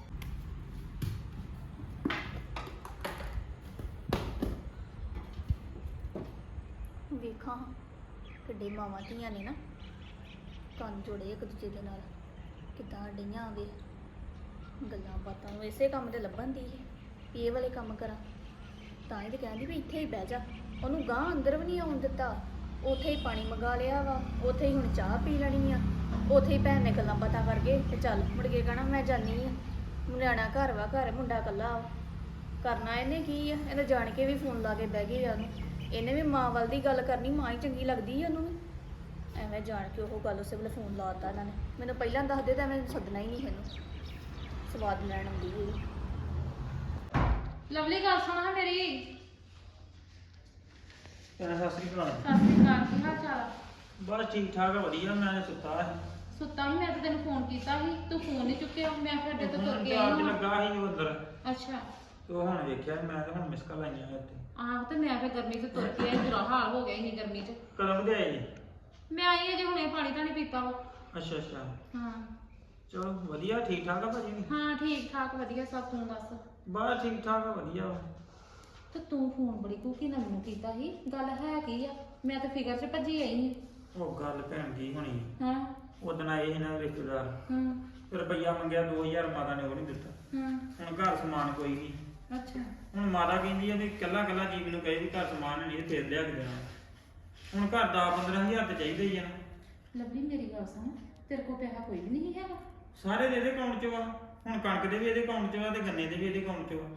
[SPEAKER 6] ਵੇਖਾਂ ਕਿੱਡੇ ਮਾਵਾਂ ਧੀਆਂ ਨੇ ਨਾ ਕੰਨ ਜੋੜੇ ਇੱਕ ਦੂਜੇ ਦੇ ਨਾਲ, ਕਿੱਦਾਂ ਡਈਆਂ ਆਵੇ ਗੱਲਾਂ ਬਾਤਾਂ ਨੂੰ ਇਸੇ ਕੰਮ ਤੇ ਲੱਭਣ ਦੀ ਵੀ ਇਹ ਵਾਲੇ ਕੰਮ ਕਰਾਂ। ਤਾਂ ਹੀ ਤੇ ਕਹਿੰਦੀ ਵੀ ਇੱਥੇ ਹੀ ਬਹਿ ਜਾ, ਉਹਨੂੰ ਗਾਂ ਅੰਦਰ ਵੀ ਨਹੀਂ ਆਉਣ ਦਿੱਤਾ। ਉੱਥੇ ਹੀ ਪਾਣੀ ਮੰਗਾ ਲਿਆ ਵਾ, ਉੱਥੇ ਹੀ ਹੁਣ ਚਾਹ ਪੀ ਲੈਣੀ ਆ, ਉੱਥੇ ਹੀ ਭੈਣ ਨੇ ਗੱਲਾਂ ਬਾਤਾਂ ਕਰਕੇ ਤੇ ਚੱਲ ਮੁੜ ਕੇ ਕਹਿਣਾ ਮੈਂ ਜਾਨੀ ਆ। ਨਿਆਣਾ ਘਰ ਵਾ, ਘਰ ਮੁੰਡਾ ਇਕੱਲਾ ਵਾ, ਕਰਨਾ ਇਹਨੇ ਕੀ ਆ। ਇਹਨੇ ਜਾਣ ਕੇ ਵੀ ਫੋਨ ਲਾ ਕੇ ਬਹਿ ਗਈ ਆ ਉਹਨੂੰ, ਇਹਨੇ ਵੀ ਮਾਂ ਵੱਲ ਦੀ ਗੱਲ ਕਰਨੀ, ਮਾਂ ਹੀ ਚੰਗੀ ਲੱਗਦੀ ਆ ਉਹਨੂੰ ਵੀ। ਐਵੇਂ ਜਾਣ ਕੇ ਉਹ ਗੱਲ ਉਸੇ ਵੇਲੇ ਫੋਨ ਲਾਤਾ ਇਹਨਾਂ ਨੇ। ਮੈਨੂੰ ਪਹਿਲਾਂ ਦੱਸਦੇ ਤਾਂ ਮੈਂ ਸੱਦਣਾ ਹੀ ਨਹੀਂ ਇਹਨੂੰ, ਸਵਾਦ ਲੈਣ ਆਉਂਦੀ ਹੋਈ।
[SPEAKER 1] ਲਵਲੀ ਗੱਲ ਸੁਣਾ ਮੇਰੀ।
[SPEAKER 4] ਸਤਿ ਸ੍ਰੀ ਅਕਾਲ।
[SPEAKER 1] ਸਤਿ ਸ਼੍ਰੀ ਅਕਾਲ, ਕੀ ਹਾਲ ਚਾਲ ਆ?
[SPEAKER 4] ਬਸ ਠੀਕ ਠਾਕ ਆ, ਵਧੀਆ। ਮੈਂ ਸੁੱਤਾ ਸੀ।
[SPEAKER 1] ਸੁੱਤਾ ਵੀ, ਮੈਂ ਤਾਂ ਤੈਨੂੰ ਫੋਨ ਕੀਤਾ ਸੀ, ਤੂੰ ਫੋਨ ਨਹੀਂ ਚੁੱਕਿਆ। ਮੈਂ ਫਿਰ ਅੱਡੇ ਤੋਂ ਤੁਰ ਕੇ
[SPEAKER 4] ਚਾਰਜ
[SPEAKER 1] ਆਈ ਹਾਂ।
[SPEAKER 4] ਲੱਗਾ ਸੀ ਉਹ ਅੰਦਰ,
[SPEAKER 1] ਅੱਛਾ
[SPEAKER 4] ਤੇ ਉਹ ਹੁਣ ਵੇਖਿਆ ਮੈਂ ਤੇ ਹੁਣ ਮਿਸ ਕਾਲ ਆਈਆਂ ਇੱਥੇ।
[SPEAKER 1] ਆਹ ਤੇ ਮੈਂ ਫਿਰ ਗਰਮੀ 'ਚ ਤੁਰ ਕੇ ਆਈ, ਬੁਰਾ ਹਾਲ ਹੋ ਗਿਆ ਇੰਨੀ ਗਰਮੀ 'ਚ।
[SPEAKER 4] ਕਦੋਂ ਦੇ ਆਏ ਜੀ?
[SPEAKER 1] ਮੈਂ ਆਈ ਅਜੇ ਹੁਣੇ, ਪਾਣੀ ਤਾਂ ਨਹੀਂ ਪੀਤਾ ਵਾ।
[SPEAKER 4] ਅੱਛਾ ਅੱਛਾ,
[SPEAKER 1] ਹਾਂ
[SPEAKER 4] ਚਲੋ ਵਧੀਆ। ਠੀਕ ਠਾਕ ਆ ਭਾਜੀ?
[SPEAKER 1] ਹਾਂ ਠੀਕ ਠਾਕ ਵਧੀਆ ਸਭ, ਤੂੰ ਦੱਸ।
[SPEAKER 4] ਬਸ ਠੀਕ ਠਾਕ ਆ, ਵਧੀਆ ਵਾ।
[SPEAKER 1] ਤੇ ਤੂੰ ਫੋਨ ਬੜੀ ਕੂਕੀ ਨਾਲ ਮੈਨੂੰ ਕੀਤਾ ਸੀ, ਗੱਲ ਹੈ ਕੀ ਆ? ਮੈਂ ਤਾਂ ਫਿਕਰ 'ਚ ਭੱਜੀ ਆਈ ਸੀ।
[SPEAKER 4] ਉਹ ਗੱਲ ਭੈਣ ਕੀ ਹੋਣੀ,
[SPEAKER 1] ਹਾਂ
[SPEAKER 4] ਉਦਣ ਆਏ ਸੀ ਨਾ ਰਿਸ਼ਤੇਦਾਰ,
[SPEAKER 1] ਹਾਂ
[SPEAKER 4] ਤੇ ਰੁਪਈਆ ਮੰਗਿਆ 2000, ਮਾਤਾ ਨੇ ਉਹ ਨਹੀਂ ਦਿੱਤਾ।
[SPEAKER 1] ਹਾਂ
[SPEAKER 4] ਹੁਣ ਘਰ ਸਮਾਨ ਕੋਈ ਨਹੀਂ।
[SPEAKER 1] ਅੱਛਾ
[SPEAKER 4] ਹੁਣ ਮਾਤਾ ਕਹਿੰਦੀ ਆ ਵੀ ਕੱਲਾ ਕੱਲਾ ਜੀ ਮੈਨੂੰ ਕਹੇ ਵੀ ਘਰ ਸਮਾਨ ਨਹੀਂ ਤੇ ਫੇਰ ਲਿਆ ਕੇ ਦੇਣਾ। ਹੁਣ ਘਰ 10-15 ਹਜ਼ਾਰ ਤੇ ਚਾਹੀਦਾ ਹੀ ਆ ਨਾ।
[SPEAKER 1] ਲੱਭੀ ਮੇਰੀ ਗੱਲ ਸੁਣ, ਤੇਰੇ ਕੋਲ ਪੈਸਾ ਕੋਈ ਵੀ ਨਹੀਂ ਹੈਗਾ?
[SPEAKER 4] ਸਾਰੇ ਦੇ ਇਹਦੇ ਅਕਾਊਂਟ 'ਚ ਵਾ, ਹੁਣ ਕਣਕ ਦੇ ਵੀ ਇਹਦੇ ਅਕਾਊਂਟ 'ਚ ਵਾ ਤੇ ਗੰਨੇ ਦੇ ਵੀ ਇਹਦੇ ਅਕਾਊਂਟ 'ਚ ਵਾ।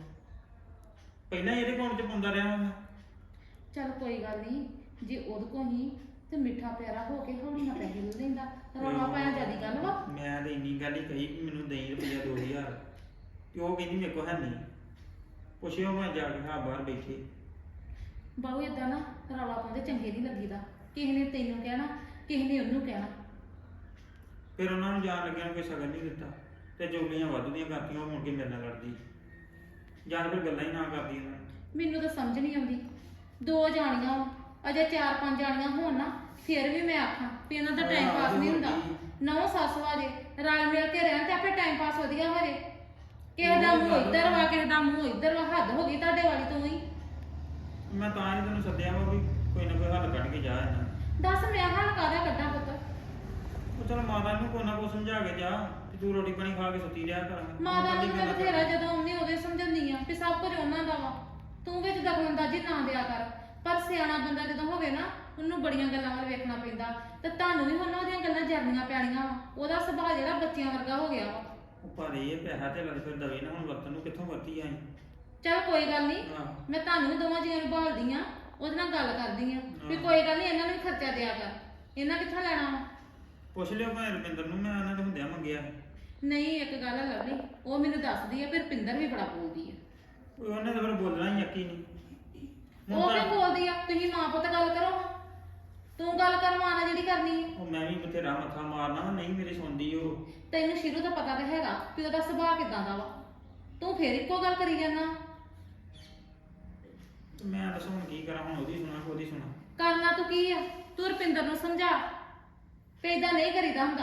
[SPEAKER 4] ਪਹਿਲਾਂ ਹੀ ਇਹਦੇ ਅਕਾਊਂਟ 'ਚ ਪਾਉਂਦਾ ਰਿਹਾ ਮੈਂ।
[SPEAKER 1] ਚੱਲ ਕੋਈ ਗੱਲ ਨਹੀਂ, ਜੇ ਉਹਦੇ ਕੋਲ ਹੀ ਤੇ ਮਿੱਠਾ ਪਿਆਰਾ ਹੋ ਕੇ ਹੌਲੀ ਨਾਲ ਪੈਸੇ ਲੈ ਲੈਂਦਾ। ਰੌਲਾ ਪਾਇਆ ਜਿਆਦੀ ਗੱਲ ਵਾ।
[SPEAKER 4] ਮੈਂ ਤੇ ਇੰਨੀ ਗੱਲ ਹੀ ਕਹੀ ਕਿ ਮੈਨੂੰ ਦੇਈ ਰੁਪਈਆ 2000 ਤੇ ਉਹ ਕਹਿੰਦੀ ਮੇਰੇ ਕੋਲ ਹੈ ਨਹੀਂ। ਪੁੱਛਿਓ ਮੈਂ ਜਾ ਕੇ ਹਾਂ ਬਾਹਰ ਬੈਠੇ।
[SPEAKER 1] ਬਾਹੂ ਏਦਾਂ ਨਾ ਰੌਲਾ ਪਾਉਂਦੇ ਚੰਗੇ ਨਹੀਂ ਲੱਗੀਦਾ। ਕਿਸੇ ਨੇ ਤੈਨੂੰ ਕਹਿਣਾ, ਕਿਸੇ ਨੇ ਉਹਨੂੰ ਕਹਿਣਾ।
[SPEAKER 4] ਫਿਰ ਉਹਨਾਂ ਨੂੰ ਜਾਣ ਲੱਗਿਆ ਨੂੰ ਕੋਈ ਸ਼ਗਨ ਨਹੀਂ ਦਿੱਤਾ ਤੇ ਜੋਗੀਆਂ ਵਾਧੂ ਦੀਆਂ ਕਰਤੀਆਂ, ਉਹ ਮੁੜ ਕੇ ਮੇਰੇ ਨਾਲ ਲੜਦੀ ਜਾਂ ਫਿਰ ਗੱਲਾਂ ਹੀ ਨਾ ਕਰਦੀ ਉਹਨਾਂ ਨੇ।
[SPEAKER 1] ਮੈਨੂੰ ਤਾਂ ਸਮਝ ਨਹੀਂ ਆਉਂਦੀ। 2 ਜਾਣੀਆਂ ਵਾ, ਅਜੇ 4-5 ਜਾਣੀਆਂ ਹੋਣ ਨਾ ਫਿਰ ਵੀ ਮੈਂ ਆਖਾਂ ਵੀ ਇਹਨਾਂ ਦਾ ਟਾਈਮ ਪਾਸ ਨਹੀਂ ਹੁੰਦਾ। 9 ਸੱਸ ਵਾਜੇ ਰਲ ਮਿਲ ਕੇ ਰਹਿਣ ਤੇ ਆਪੇ ਟਾਈਮ ਪਾਸ ਵਧੀਆ ਹੋ ਜੇ। ਕਿਸੇ ਦਾ ਮੂੰਹ ਇੱਧਰ ਵਾ, ਕਿਸੇ ਦਾ ਮੂੰਹ ਇੱਧਰ ਵਾ। ਹੱਦ ਹੋ ਗਈ ਤੁਹਾਡੇ ਵਾਲੀ ਤੋਂ ਹੀ।
[SPEAKER 4] ਮੈਂ ਤਾਂ ਹੀ ਤੈਨੂੰ ਸੱਦਿਆ ਵਾ ਵੀ ਕੋਈ ਨਾ ਕੋਈ ਹੱਲ ਕੱਢ ਕੇ ਜਾ ਇਹਨਾਂ।
[SPEAKER 1] ਦੱਸ ਮੈਂ ਹੱਲ ਕਾਹਦਾ ਕੱਢਾਂ ਪੁੱਤ?
[SPEAKER 4] ਉਹ ਚਲ ਮਾਤਾ ਨੂੰ ਕੋਈ ਨਾ ਕੋਈ ਸਮਝਾ ਕੇ ਜਾ ਕਿ ਤੂੰ ਰੋਟੀ ਪਾਣੀ ਖਾ ਕੇ ਸੁੱਤੀ ਰਿਹਾ ਕਰ।
[SPEAKER 1] ਮਾਤਾ ਨੂੰ ਮੈਂ ਬਥੇਰਾ ਜਦੋਂ ਆਉਂਦੀ ਉਹਦੇ ਸਮਝਾਉਂਦੀ ਆ ਵੀ ਸਭ ਕੁਝ ਉਹਨਾਂ ਦਾ ਵਾ, ਤੂੰ ਵਿੱਚ ਦਖਲਅੰਦਾਜ਼ੀ ਨਾ ਦਿਆ ਕਰ। ਪਰ ਸਿਆਣਾ ਬੰਦਾ ਜਦੋਂ ਹੋਵੇ ਨਾ ਉਹਨੂੰ ਬੜੀਆਂ ਗੱਲਾਂ ਵੱਲ ਵੇਖਣਾ ਪੈਂਦਾ। ਤੇ ਤੁਹਾਨੂੰ ਵੀ ਹੁਣ ਉਹਦੀਆਂ ਗੱਲਾਂ ਜਰਨੀਆਂ ਪੈਣੀਆਂ ਵਾ। ਉਹਦਾ ਸੁਭਾਅ ਜਿਹੜਾ ਬੱਚਿਆਂ ਵਰਗਾ ਹੋ ਗਿਆ ਵਾ।
[SPEAKER 4] ਪਰ ਇਹ ਪੈਸਾ ਤੇ ਲੱਗ ਫਿਰ ਦਵੇ ਨਾ, ਹੁਣ ਵਰਤਨ ਨੂੰ ਕਿੱਥੋਂ ਵਰਤੀ ਆਈ।
[SPEAKER 1] ਚੱਲ ਕੋਈ ਗੱਲ ਨਹੀਂ,
[SPEAKER 4] ਹਾਂ
[SPEAKER 1] ਮੈਂ ਤੁਹਾਨੂੰ ਵੀ ਦੋਵਾਂ ਜੀਆਂ ਨੂੰ ਭਾਲਦੀ ਆ, ਉਹਦੇ ਨਾਲ ਗੱਲ ਕਰਦੀ ਆ ਵੀ ਕੋਈ ਗੱਲ ਨਹੀਂ ਇਹਨਾਂ ਨੂੰ ਵੀ ਖਰਚਾ ਦਿਆ ਕਰ। ਇਹਨਾਂ ਕਿੱਥੋਂ ਲੈਣਾ ਵਾ?
[SPEAKER 4] ਪੁੱਛ ਲਿਓ ਭਾਵੇਂ ਰੁਪਿੰਦਰ ਨੂੰ, ਮੈਂ ਉਹਨਾਂ ਦੇ ਹੁੰਦਿਆਂ ਮੰਗਿਆ।
[SPEAKER 1] ਨਹੀਂ ਇੱਕ ਗੱਲ ਹੈ ਲਵਲੀ, ਉਹ ਮੈਨੂੰ ਦੱਸਦੀ ਆ ਫਿਰ ਰੁਪਿੰਦਰ ਵੀ ਬੜਾ ਬੋਲਦੀ ਆ।
[SPEAKER 4] ਉਹਨੇ ਤਾਂ ਫਿਰ ਬੋਲਣਾ ਹੀ ਯਕੀ ਨਹੀਂ। ਹੁਣ
[SPEAKER 1] ਉਹ
[SPEAKER 4] ਤਾਂ-
[SPEAKER 1] ਕਿਉਂ ਬੋਲਦੀ ਆ? ਤੁਸੀਂ ਮਾਂ ਪੁੱਤ ਗੱਲ ਕਰੋ। ਤੂੰ ਗੱਲ ਕਰ ਮਾਂ ਨਾਲ ਜਿਹੜੀ ਕਰਨੀ ਆ।
[SPEAKER 4] ਉਹ ਮੈਂ ਵੀ ਬਥੇਰਾ ਮੱਥਾ ਮਾਰਨਾ ਵਾ, ਨਹੀਂ ਮੇਰੀ ਸੁਣਦੀ ਉਹ।
[SPEAKER 1] ਤੈਨੂੰ ਸ਼ੁਰੂ ਤੋਂ ਪਤਾ ਤਾਂ ਹੈਗਾ ਕਿ ਉਹਦਾ ਸੁਭਾਅ ਕਿਦਾਂ ਦਾ ਵਾ। ਤੂੰ ਫੇਰ ਇੱਕੋ ਗੱਲ ਕਰੀ ਜਾਂਦਾ।
[SPEAKER 4] ਤੇ ਮੈਂ ਦੱਸ ਹੁਣ ਕੀ ਕਰਾਂ, ਹੁਣ ਉਹਦੀ ਸੁਣਾ ਕਿ ਉਹਦੀ ਸੁਣਾ।
[SPEAKER 1] ਕਰਨਾ ਤੂੰ ਕੀ ਆ? ਤੂੰ ਰੁਪਿੰਦਰ ਨੂੰ ਸਮਝਾ ਤੇ ਏਦਾਂ ਨਹੀਂ ਕਰੀਦਾ ਹੁੰਦਾ।